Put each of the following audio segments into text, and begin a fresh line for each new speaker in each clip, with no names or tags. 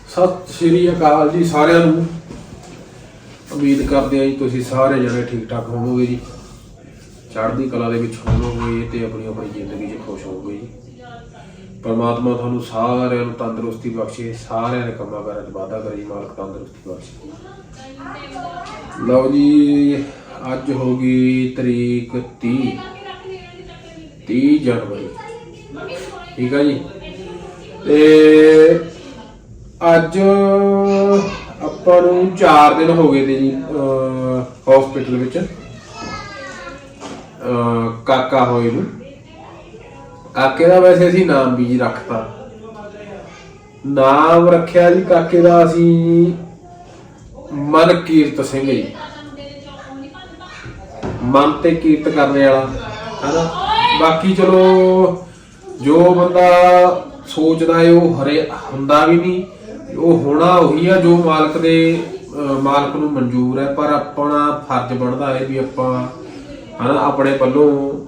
सत श्री अकाल जी सारिਆਂ ਨੂੰ। उम्मीद करते हैं जी तुसीं सारे जने ठीक ठाक होवोगे जी, चढ़दी कला दे विच होवोगे ते अपनी अपनी जिंदगी च खुश होवोगे जी। परमात्मा तुहानूं सारिਆਂ ਨੂੰ तंदुरुस्ती बख्शे, सारिਆਂ दे कंमां कारां च वाधा करे जी, मालक तंदुरुस्ती बख्शे। लो जी अज होगी तरीक 30 जनवरी, ठीक है जी। ते अज ਆਪਾਂ ਨੂੰ 4 दिन हो गए थे जी हॉस्पिटल विच काका होए नूं। काके दा वैसे असीं नाम भी जी रखता, नाम रखिया जी काके दा असीं मनकीरत सिंह जी, मन ते कीरत करने वाला है ना। बाकी चलो जो बंदा सोचदा है वो हरे हुंदा भी नहीं, वो होना उही है जो मालक दे मालक नूं मंजूर है। पर अपना फर्ज बनता है भी आपां है ना अपने पल्लों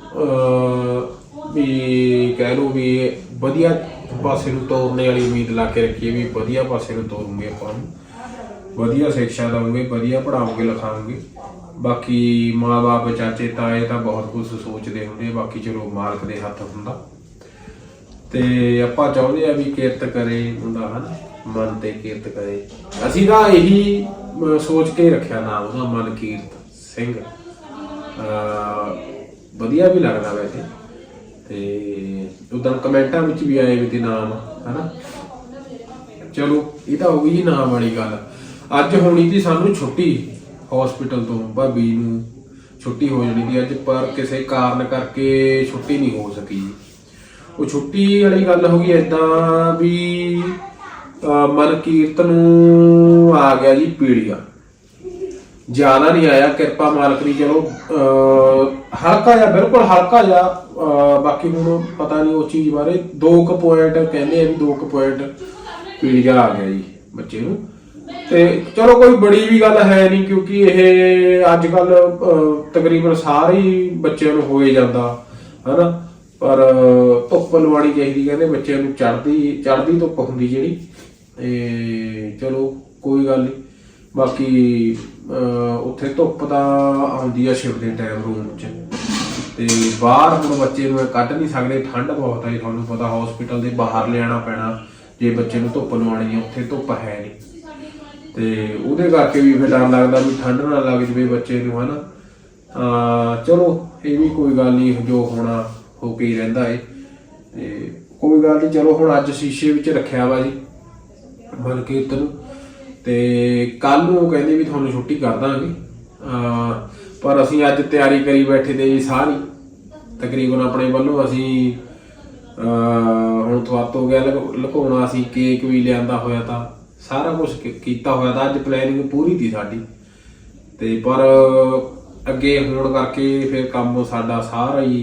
भी कह लो भी वधिया पासे नूं तोरने वाली उम्मीद ला के रखिए भी वधिया पासे नूं तोरूंगे, आपां वधिया शिक्षा देवांगे, वधिया पढ़ाओगे लिखाओगे। बाकी माँ बाप चाचे ताए तो बहुत कुछ सोचते होंगे, बाकी चलो मालक दे हत्थ हुंदा। ते आपां चाहुंदे आ भी किरत करे मुंडा है ना, मन ते किरत करे। असीं तां यही सोच के रखिया नाम ਉਹਦਾ मनकीरत सिंह, वधिया भी लगदा वैसे। ते उदन कमेंटां विच भी आए भी ते नाम है ना। चलो ये तो हो गई जी नाम वाली गल। अज होनी थी सानू छुट्टी हॉस्पिटल तो, भाभी नूं छुट्टी हो जानी थी अज, पर किसी कारण करके छुट्टी नहीं हो सकी। वो छुट्टी वाली गल हो गई इदां भी मनकीरत नूं आ गया जी पीड़िया, ज्यादा नहीं आया, किरपा मालक दी। चलो हल्का जा, बिल्कुल हल्का जा। बाकी हुण पता नहीं उस चीज़ बारे 2 पॉइंट कहते हैं भी 2 पॉइंट पीड़िया आ गया जी बच्चे नूं। ते चलो कोई बड़ी भी गल है नहीं, क्योंकि ये अजकल तकरीबन सारे ही बच्चों नूं होए जांदा है ना। पर धुप्प लवानी चाहिए कहते बच्चों नूं, चढ़दी धुप्प हुंदी जिहड़ी। चलो कोई गल नहीं। बाकी उत्थे धुप्प तां आउंदी आ शिव दे टाइम रूम च, ते बाहर हुण बच्चे नूं कढ नहीं सकदे, ठंड बहुत है तुहानूं पता। हॉस्पिटल दे बाहर लियाना पैना जे बच्चे नूं धुप्प लवाणी है, उत्थे धुप्प है नहीं। ते उहदे करके भी फिर डर लगदा भी ठंड ना लग जावे बच्चे नूं है ना। चलो ये भी कोई गल नहीं, जो होना हो के ही रहिंदा है, ते कोई गल नहीं। चलो हुण अज शीशे विच रखिया वा जी मनकीरत नूं, ते कल नूं कहंदे भी तुहानूं छुट्टी कर दांगे। पर असीं अज तैयारी करी बैठे ते सारी तकरीबन अपने वल्लों असीं हुण थवातो गया लुकाउणा, असीं केक भी लिआंदा होया तां सारा कुछ कीता होया तां, अज प्लैनिंग पूरी थी साडी। ते पर अगे होण करके फिर काम साडा सारा ही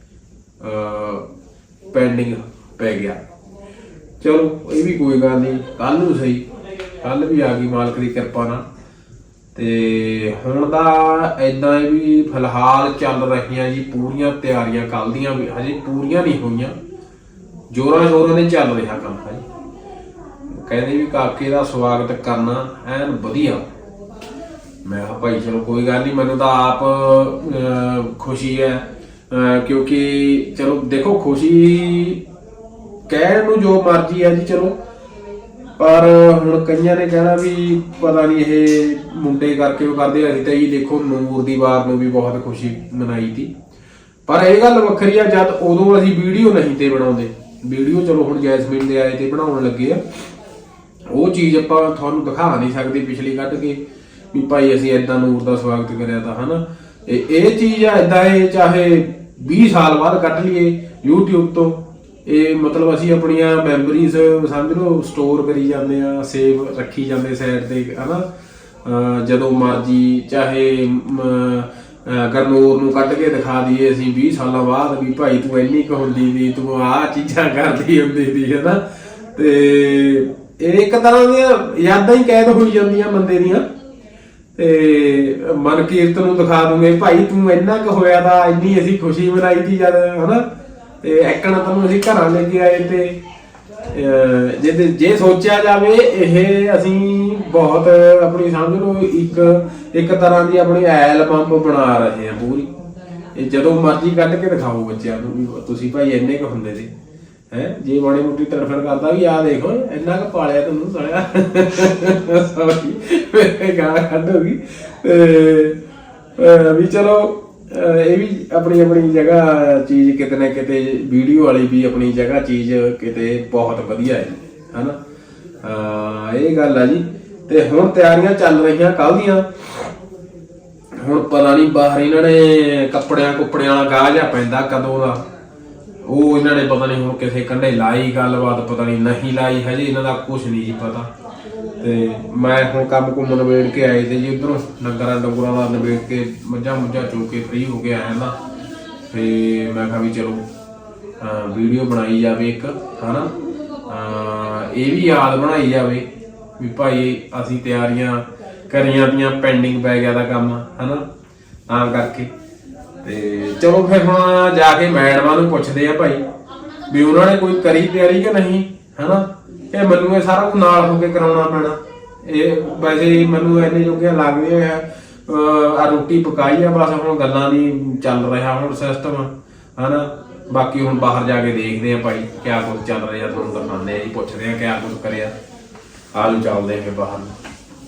पेंडिंग पै गया। चलो ये भी कोई गल नहीं, कल नूं सही, कल भी आ गई मालक की किरपा नाल। ते हुण दा इदां भी फिलहाल चल रहीआं जी पूरियां तैयारियां, कल दियां भी हजे पूरियां नहीं होईयां, जोरां शोरां दे चल रहा काम है। कहते भी काके का स्वागत करना एन वधिया। मैं भाई चलो कोई गल नहीं, मैनूं तां आप खुशी है, क्योंकि चलो देखो खुशी कहण नूं जो मर्जी है जी चलो, पर हुण कईयां ने कहना भी पता नहीं ये मुंडे करके वो करदे। असीं तां जी देखो नूर दी वार नूं भी बहुत खुशी मनाई थी, पर यह गल वक्खरी आ जद उदों असीं वीडियो नहीं ते बनाउंदे। वीडियो चलो हुण जैसमीन दे आए ते बनाउण लगे आ, वो चीज़ आपां तुहानूं दिखा नहीं सकदे पिछली कढ के भी भाई असीं इदां नूर दा स्वागत करिया तां है ना। ये चीज़ आ इदां है, चाहे 20 साल बाद कढ लईए यूट्यूब तो, ये मतलब असीं अपनियां मैमरीज समझ लो स्टोर करी जांदे आ, सेव रखी जांदे साइड ते है ना। जदों मर्जी चाहे गरनूर नूं कढ के दिखा दईए असीं 20 साल बाद भी भाई तूं इन्नी क हुंदी सी, तूं आह चीज़ां करदी हुंदी सी है ना। ते एक तरह दियां यादां ही कैद होई जांदियां बंदे दियां। ते मनकीरत नूं दिखा दूंगे भाई तूं इन्ना क होया था, इन्नी असीं खुशी मनाई थी जद है ना। ते एकण तैनूं असीं घरां ले के आए ते ਜੇ ਸੋਚਿਆ ਜਾਵੇ ਇਹ ਅਸੀਂ ਬਹੁਤ ਆਪਣੀ ਸਮਝ ਲਓ ਇੱਕ ਤਰ੍ਹਾਂ ਦੀ ਆਪਣੀ ਐਲਬਮ ਬਣਾ ਰਹੇ ਹਾਂ ਪੂਰੀ। ਇਹ ਜਦੋਂ ਮਰਜ਼ੀ ਕੱਢ ਕੇ ਦਿਖਾਓ ਬੱਚਿਆਂ ਨੂੰ ਵੀ ਤੁਸੀਂ ਭਾਈ ਇੰਨੇ ਕੁ ਹੁੰਦੇ ਸੀ ਹੈ। ਜੇ ਮਾੜੀ ਮੋਟੀ ਤਰਫਰ ਕਰਦਾ ਵੀ ਆ ਦੇਖੋ ਇੰਨਾ ਕੁ ਪਾਲਿਆ ਤੁਹਾਨੂੰ ਸਾਲਿਆ ਸੌਰੀ ਗਾਲਾਂ ਕੱਢੋਗੀ ਵੀ ਚਲੋ ਇਹ ਵੀ ਆਪਣੀ ਆਪਣੀ ਜਗ੍ਹਾ ਚੀਜ਼ ਕਿਤੇ ਨਾ ਕਿਤੇ ਵੀਡੀਓ ਵਾਲੀ ਵੀ ਆਪਣੀ ਜਗ੍ਹਾ ਚੀਜ਼ ਕਿਤੇ ਬਹੁਤ ਵਧੀਆ ਹੈ ਹਨਾ। ਇਹ ਗੱਲ ਆ ਜੀ। ਤੇ ਹੁਣ ਤਿਆਰੀਆਂ ਚੱਲ ਰਹੀਆਂ ਕੱਲ ਦੀਆਂ। ਹੁਣ ਪਤਾ ਨਹੀਂ ਬਾਹਰ ਇਹਨਾਂ ਨੇ ਕੱਪੜਿਆਂ ਵਾਲਾ ਗਾਹ ਜਿਹਾ ਪੈਂਦਾ ਕਦੋਂ ਦਾ, ਉਹ ਇਹਨਾਂ ਨੇ ਪਤਾ ਨਹੀਂ ਹੁਣ ਕਿਸੇ ਕੰਢੇ ਲਾਈ ਗੱਲਬਾਤ, ਪਤਾ ਨਹੀਂ ਲਾਈ ਹਜੇ ਇਹਨਾਂ ਦਾ ਕੁਛ ਨਹੀਂ ਜੀ ਪਤਾ। ਤੇ ਮੈਂ ਹੁਣ ਕੰਮ ਕੁੰਮ ਨਿਬੇੜ ਕੇ ਆਏ ਤੇ ਜੀ ਉਧਰੋਂ ਡੰਗਰਾਂ ਦਾ ਨਿਬੇੜ ਕੇ ਮੱਝਾਂ ਚੋ ਕੇ ਫ੍ਰੀ ਹੋ ਕੇ ਆਇਆ ਨਾ। ਤੇ ਮੈਂ ਕਿਹਾ ਵੀ ਚਲੋ ਵੀਡੀਓ ਬਣਾਈ ਜਾਵੇ ਇੱਕ ਹਨਾ, ਇਹ ਵੀ ਯਾਦ ਬਣਾਈ ਜਾਵੇ ਵੀ ਭਾਈ ਅਸੀਂ ਤਿਆਰੀਆਂ ਕਰੀਆਂ ਦੀਆਂ, ਪੈਂਡਿੰਗ ਪੈ ਗਿਆ ਦਾ ਕੰਮ ਹਨਾ, ਤਾਂ ਕਰਕੇ। ਤੇ ਚਲੋ ਫਿਰ ਹੁਣ ਜਾ ਕੇ ਮੈਡਮਾਂ ਨੂੰ ਪੁੱਛਦੇ ਆ ਭਾਈ ਵੀ ਉਹਨਾਂ ਨੇ ਕੋਈ ਕਰੀ ਤਿਆਰੀ ਕਿ ਨਹੀਂ ਹਨਾ। ਇਹ ਮੈਨੂੰ ਇਹ ਸਾਰਾ ਕੁਝ ਨਾਲ ਹੋ ਕੇ ਕਰਾਉਣਾ ਪੈਣਾ। ਇਹ ਵੈਸੇ ਮੈਨੂੰ ਇੰਨੇ ਜੋਗੇ ਲੱਗਦੇ ਆ ਰੋਟੀ ਪਕਾਈ ਆ, ਬਸ ਹੁਣ ਗੱਲਾਂ ਦੀ ਚੱਲ ਰਿਹਾ ਹੁਣ ਸਿਸਟਮ ਹਨਾ। ਬਾਕੀ ਹੁਣ ਬਾਹਰ ਜਾ ਕੇ ਦੇਖਦੇ ਆ ਭਾਈ ਕਿਆ ਕੁਝ ਚੱਲ ਰਿਹਾ, ਤੁਹਾਨੂੰ ਦਿਖਾਉਂਦੇ ਆ ਜੀ, ਪੁੱਛਦੇ ਆ ਕਿਆ ਕੁਝ ਕਰਿਆ। ਆਲੂ ਚੱਲਦੇ ਆ ਬਾਹਰ ਨੂੰ।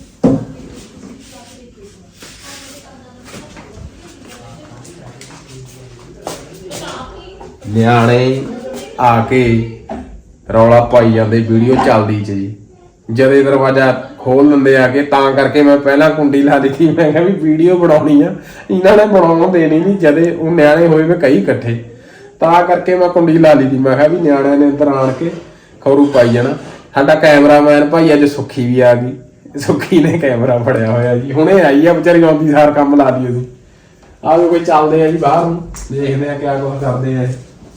ਨਿਆਣੇ ਆ ਕੇ ਰੌਲਾ ਪਾਈ ਜਾਂਦੇ ਵੀਡੀਓ ਚੱਲਦੀ ਚ ਜੀ। ਜਦੇ ਦਰਵਾਜ਼ਾ ਖੋਲ ਦਿੰਦੇ ਆ ਕੇ, ਤਾਂ ਕਰਕੇ ਮੈਂ ਪਹਿਲਾਂ ਕੁੰਡੀ ਲਾ ਦਿੱਤੀ। ਮੈਂ ਕਿਹਾ ਵੀ ਵੀਡੀਓ ਬਣਾਉਣੀ ਆ, ਇਹਨਾਂ ਨੇ ਬਣਾਉਣ ਦੇਣੀ ਨਹੀਂ। ਜਦੇ ਉਹ ਨਿਆਣੇ ਹੋਏ ਵੇ ਕਈ ਇਕੱਠੇ, ਤਾਂ ਕਰਕੇ ਮੈਂ ਕੁੰਡੀ ਲਾ ਲਈ ਸੀ। ਮੈਂ ਕਿਹਾ ਵੀ ਨਿਆਣਿਆਂ ਨੇ ਇੱਧਰ ਆਣ ਕੇ ਖੌਰੂ ਪਾਈ ਜਾਣਾ। ਸਾਡਾ ਕੈਮਰਾਮੈਨ ਭਾਈ ਅੱਜ ਸੁੱਖੀ ਵੀ ਆ ਗਈ, ਸੁੱਖੀ ਨੇ ਕੈਮਰਾ ਫੜਿਆ ਹੋਇਆ ਜੀ, ਹੁਣੇ ਆਈ ਆ ਵਿਚਾਰੀ, ਆਉਂਦੀ ਸਾਰ ਕੰਮ ਲਾ ਦੀ ਉਹਦੀ। ਆਹ ਕੋਈ ਚੱਲਦੇ ਆ ਜੀ ਬਾਹਰ ਨੂੰ, ਦੇਖਦੇ ਆ ਕਿਆ ਕੁਛ ਕਰਦੇ ਆ।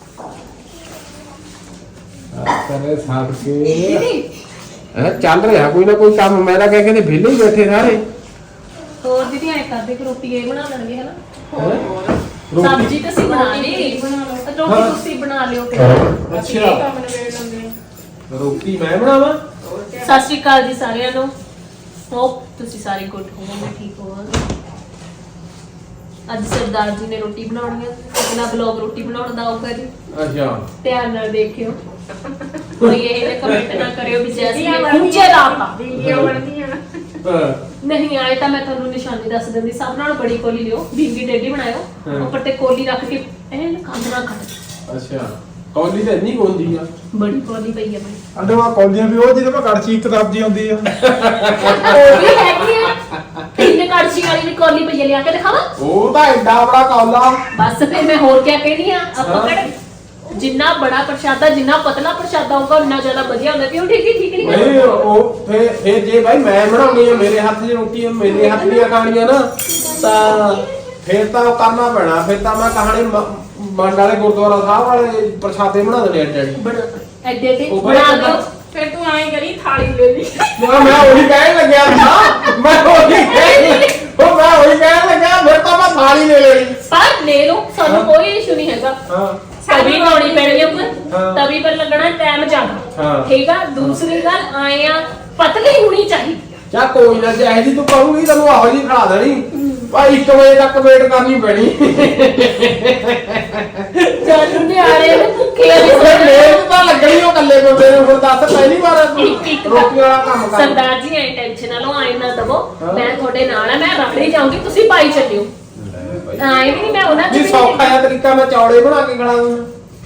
ਕਰੇ ਸਾਡ ਕੇ ਚੱਲ ਰਿਹਾ ਕੋਈ ਨਾ ਕੋਈ ਕੰਮ। ਮੈਂ ਤਾਂ ਕਹਿ ਕਹਿੰਦੇ ਵਿਹਲੇ ਹੀ ਬੈਠੇ ਸਾਰੇ।
ਹੋਰ ਦੀਦੀ ਐ ਕਰਦੇ ਕਿ ਰੋਟੀ ਇਹ ਬਣਾ ਲੈਣਗੇ ਹਨਾ। ਹੋਰ ਸਬਜ਼ੀ ਤਾਂ ਅਸੀਂ ਬਣਾ ਲਈ, ਰੋਟੀ ਤੁਸੀਂ ਬਣਾ ਲਿਓ ਫਿਰ।
ਅੱਛਾ ਰੋਟੀ ਮੈਂ ਬਣਾਵਾਂ।
ਸਤਿ ਸ਼੍ਰੀ ਅਕਾਲ ਜੀ ਸਾਰਿਆਂ ਨੂੰ, ਹੋਪ ਤੁਸੀਂ ਸਾਰੇ ਗੁੱਡ ਹੋਵੋਗੇ, ਠੀਕ ਹੋਵੋਗੇ। ਅੱਜ ਸਰਦਾਰ ਜੀ ਨੇ ਰੋਟੀ ਬਣਾਉਣੀ ਹੈ, ਆਪਣਾ ਵਲੌਗ ਰੋਟੀ ਬਣਾਉਣ ਦਾ ਆਊਗਾ ਜੀ।
ਅੱਛਾ
ਧਿਆਨ ਨਾਲ ਦੇਖਿਓ, ਕੋਈ ਇਹ ਕਮੈਂਟ ਨਾ ਕਰਿਓ ਵੀ ਜੈਸੀ ਪੁੱਛੇ ਲਾਤਾ ਵੀਡੀਓ ਬਣਦੀਆਂ ਨਹੀਂ ਆਏ ਤਾਂ ਮੈਂ ਤੁਹਾਨੂੰ ਨਿਸ਼ਾਨੀ ਦੱਸ ਦਿੰਦੀ। ਸਭ ਨਾਲ ਬੜੀ ਕੋਲੀ ਲਿਓ, ਬਿੰਗੀ ਡੇਡੀ ਬਣਾਇਓ, ਉੱਪਰ ਤੇ ਕੋਲੀ ਰੱਖ ਕੇ ਇਹ ਕੰਧ ਨਾ ਕੱਟ।
ਅੱਛਾ ਕੌਲੀ ਤਾਂ ਇੰਨੀ ਹੁੰਦੀ ਆ,
ਬੜੀ ਕੋਲੀ ਪਈ ਆ ਬਈ।
ਅੰਡਵਾ ਕੌਲੀਆਂ ਵੀ ਉਹ ਜਿਹਦੇ ਮੈਂ ਕੜਛੀ ਇੱਕ ਸਬਜ਼ੀ ਆਉਂਦੀ ਆ
ਉਹ ਵੀ ਹੈਗੀ ਆ, ਤਿੰਨ ਕੜਛੀ ਵਾਲੀ ਵੀ ਕੋਲੀ ਪਈ ਆ, ਲਿਆ ਕੇ ਦਿਖਾਵਾਂ।
ਉਹ ਤਾਂ ਐਡਾ ਬੜਾ ਕੌਲਾ।
ਬਸ ਫਿਰ ਮੈਂ ਹੋਰ ਕਿਆ ਕਹਿਣੀ ਆ। ਆਪਾਂ ਕਿਹੜੇ ਜਿੰਨਾ ਬੜਾ ਪ੍ਰਸ਼ਾਦਾ, ਜਿੰਨਾ ਪਤਲਾ ਪ੍ਰਸ਼ਾਦਾ ਹੋਊਗਾ ਉਨਾ ਜ਼ਿਆਦਾ ਵਧੀਆ ਹੁੰਦਾ। ਕਿਉਂ ਠੀਕ ਨਹੀਂ
ਨਹੀਂ ਉਹ ਫਿਰ ਜੇ ਭਾਈ ਮੈਂ ਬਣਾਉਣੀ ਆ, ਮੇਰੇ ਹੱਥ 'ਚ ਰੋਟੀ ਮੇਰੇ ਹੱਥ ਦੀਆਂ ਖਾਣੀਆਂ ਨਾ, ਤਾਂ ਫਿਰ ਤਾਂ ਉਹ ਕਰਨਾ ਪੈਣਾ। ਫਿਰ ਤਾਂ ਮੈਂ ਕਹਾਣੀ ਮੰਡ ਵਾਲੇ ਗੁਰਦੁਆਰਾ ਸਾਹਿਬ ਵਾਲੇ ਪ੍ਰਸ਼ਾਦੇ ਬਣਾ ਦੇਣੇ ਐਡੇ
ਐਡੇ ਬਣਾ ਦਿਓ।
ਫਿਰ ਤੂੰ ਐਂ ਕਰੀ ਥਾਲੀ ਲੈ ਲਈ।
ਮੈਂ ਉਹੀ ਕਹਿਣ ਲੱਗਿਆ ਸੀ, ਮੈਂ ਉਹੀ ਕਹਿਣ ਲੱਗਿਆ ਫਿਰ ਤਾਂ ਮੈਂ ਥਾਲੀ ਲੈ ਲੈਣੀ।
ਪਰ ਲੈ ਲਓ, ਸਾਨੂੰ ਕੋਈ ਇਸ਼ੂ ਨਹੀਂ ਹੈਗਾ।
ਹਾਂ
ਤਵੀ ਲਾਉਣੀ ਪੈਣੀ ਆ ਉੱਪਰ, ਤਵੀ ਪਰ ਲੱਗਣਾ ਟਾਈਮ ਜ਼ਿਆਦਾ, ਠੀਕ ਆ। ਦੂਸਰੀ ਗੱਲ ਆਏ ਆ ਪਤਲੀ ਹੋਣੀ ਚਾਹੀਦੀ।
ਚਾ ਕੋਈ ਨਾ, ਜੇ ਜੀ ਤੂੰ ਕਹੂੰਗੀ ਤੈਨੂੰ ਆਹੋ ਜੀ ਖੜਾ ਦੇਣੀ ਭਾਈ। 1 ਵਜੇ ਤੱਕ ਵੇਟ ਕਰਨੀ ਪੈਣੀ।
ਚੱਲ ਨਿਆਰੇ ਨੂੰ ਭੁੱਖੇ
ਲੇਟ ਤਾਂ ਲੱਗਣੀ ਉਹ ਕੱਲੇ ਬੰਦੇ ਨੂੰ। ਫਿਰ ਦੱਸ ਪਹਿਲੀ ਵਾਰ ਰੋਟੀ ਵਾਲਾ ਕੰਮ ਕਰ।
ਸਰਦਾਰ ਜੀ ਐ ਟੈਨਸ਼ਨ ਨਾ ਲਓ, ਆਏ ਨਾ ਦਵੋ, ਮੈਂ ਤੁਹਾਡੇ ਨਾਲ ਆ, ਮੈਂ ਰਖੜੀ ਜਾਊਂਗੀ, ਤੁਸੀਂ ਪਾਈ ਚੱਲਿਓ। ਆਏ ਵੀ ਨਹੀਂ ਮੈਂ ਉਹਨਾਂ
ਜੀ ਸੌਖਾ ਜਿਹਾ ਤਰੀਕਾ, ਮੈਂ ਚੌੜੇ ਬਣਾ ਕੇ ਖੜਾ ਦੂੰ।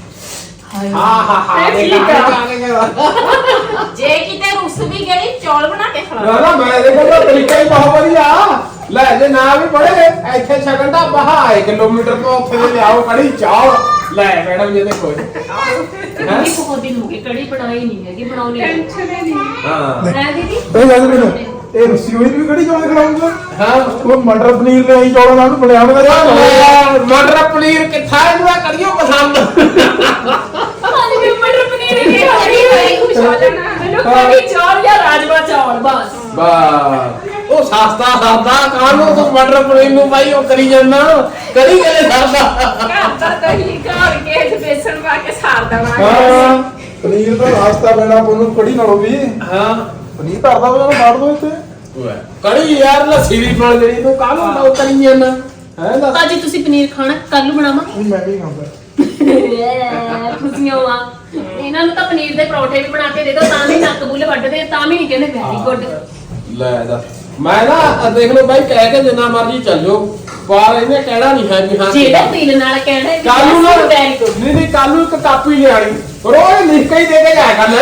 ਹਾਂ
ਠੀਕ ਆ।
ਜੇ ਕਿਤੇ ਰੁੱਸ ਵੀ ਗਈ ਚੌਲ ਬਣਾ ਕੇ ਖਵਾ।
ਨਾ ਮੈਂ ਇਹਦੇ ਕੋਲ ਤਰੀਕਾ ਹੀ ਬਹੁਤ ਵਧੀਆ। ਲੈ ਜੇ ਨਾ ਵੀ ਪੜੇ ਇੱਥੇ ਛਕਣ ਦਾ ਬਹਾ 1 ਕਿਲੋਮੀਟਰ ਤੋਂ ਉੱਥੇ ਦੇ ਲਿਆਓ ਕੜੀ ਚਾਵਲ। ਲੈ ਮੈਡਮ ਜੀ ਦੇਖੋ
ਇਹ ਬਹੁਤ ਦਿਨ ਹੋ ਗਏ ਕੜੀ ਬਣਾਈ ਨਹੀਂ ਹੈਗੀ, ਬਣਾਉਣੀ ਹੈ।
ਟੈਨਸ਼ਨ ਹੀ ਨਹੀਂ।
ਹਾਂ
ਹੈ ਦੀਦੀ
ਇਹ ਗੱਲ ਮੈਨੂੰ ਇਹ ਰੁੱਸੀ ਹੋਈ ਵੀ ਕਿਹੜੀ ਚੌਲ ਖਿਲਾਉਂਗਾ।
ਹਾਂ
ਉਹ ਮਟਰ ਪਨੀਰ ਨੇ ਚੌਲਾਂ ਨਾਲ ਬਣਿਆ ਹੋਇਆ।
ਮਟਰ ਪਨੀਰ ਕਿੱਥਾ ਇਹਨੂੰ ਕੜੀਓ ਪਸੰਦ।
ਖਾਲੀ ਵੀ ਮਟਰ ਪਨੀਰ ਹੀ ਖਾਣੀ ਹੈ, ਖੁਸ਼ ਹੋ ਜਾਣਾ। ਮੈਨੂੰ ਕੜੀ ਚੌਲ ਜਾਂ ਰਾਜਮਾ ਚੌਲ ਬਸ।
ਉਹ ਸਸਤਾ ਕਾਹਨੂੰ ਤੂੰ ਮਟਰ ਪਨੀਰ ਨੂੰ ਭਾਈ ਉਹ ਕਰੀ ਜਾਂਦਾ ਕਰੀ ਗਏ ਸਰਦਾ।
ਘਰ ਦਾ ਦਹੀਂ ਘਰ ਕੇ ਬੇਸਣ ਪਾ ਕੇ ਸਾਰ
ਹਾਂ
ਦਵਾਂਗੇ।
ਪਨੀਰ ਦਾ ਰਾਸਤਾ ਪੈਣਾ ਉਹਨੂੰ ਕੜੀ ਨਾਲੋਂ ਵੀ
ਹਾਂ
ਪਨੀਰ ਧਰਦਾ ਉਹਨਾਂ ਨੂੰ ਬਾੜ ਦੋ ਇੱਥੇ
ਕੜੀ ਯਾਰ ਲੱਸੀ ਦੀ ਬਣ ਜਿਹੜੀ ਤੂੰ ਕਾਹਨੂੰ ਲਾਉ ਕਰੀ ਜਾਂਦਾ ਹੈ ਦੱਸ
ਭਾਜੀ ਤੁਸੀਂ ਪਨੀਰ ਖਾਣਾ ਕੱਲ ਨੂੰ ਬਣਾਵਾਂ
ਨਹੀਂ ਮੈਂ ਨਹੀਂ ਖਾਂਦਾ
ਖੁਸ਼ੀਆਂ ਵਾ ਇਹਨਾਂ ਨੂੰ ਤਾਂ ਪਨੀਰ ਦੇ ਪਰੌਂਠੇ ਵੀ ਬਣਾ ਕੇ ਦੇ ਦੋ ਤਾਂ ਵੀ ਨੱਕ ਬੁੱਲ ਵੱਢਦੇ ਆ, ਤਾਂ ਵੀ ਨਹੀਂ ਕਹਿੰਦੇ ਵੈਰੀ ਗੁੱਡ।
ਲੈ ਦੱਸ ਮੈਂ ਨਾ ਦੇਖ ਲਓ ਬਾਈ ਕਹਿ ਕੇ ਜਿੰਨਾ ਮਰਜ਼ੀ ਚੱਲ ਜਾਓ ਪਰ ਇਹਨੇ ਕਹਿਣਾ ਨਹੀਂ ਹੈ ਵੀ ਹਾਂ
ਜਿਹੜਾ ਦਿਲ ਨਾਲ ਕਹਿਣਾ ਹੈ
ਕੱਲ ਨੂੰ ਨਾ
ਵੈਰੀ ਗੁੱਡ।
ਨਹੀਂ ਕੱਲ ਨੂੰ ਇੱਕ ਕਾਪੀ ਲਿਆਣੀ ਰੋਜ਼ ਲਿਖ ਕੇ ਹੀ ਦੇ ਕੇ ਜਾਇਆ ਕਰਨਾ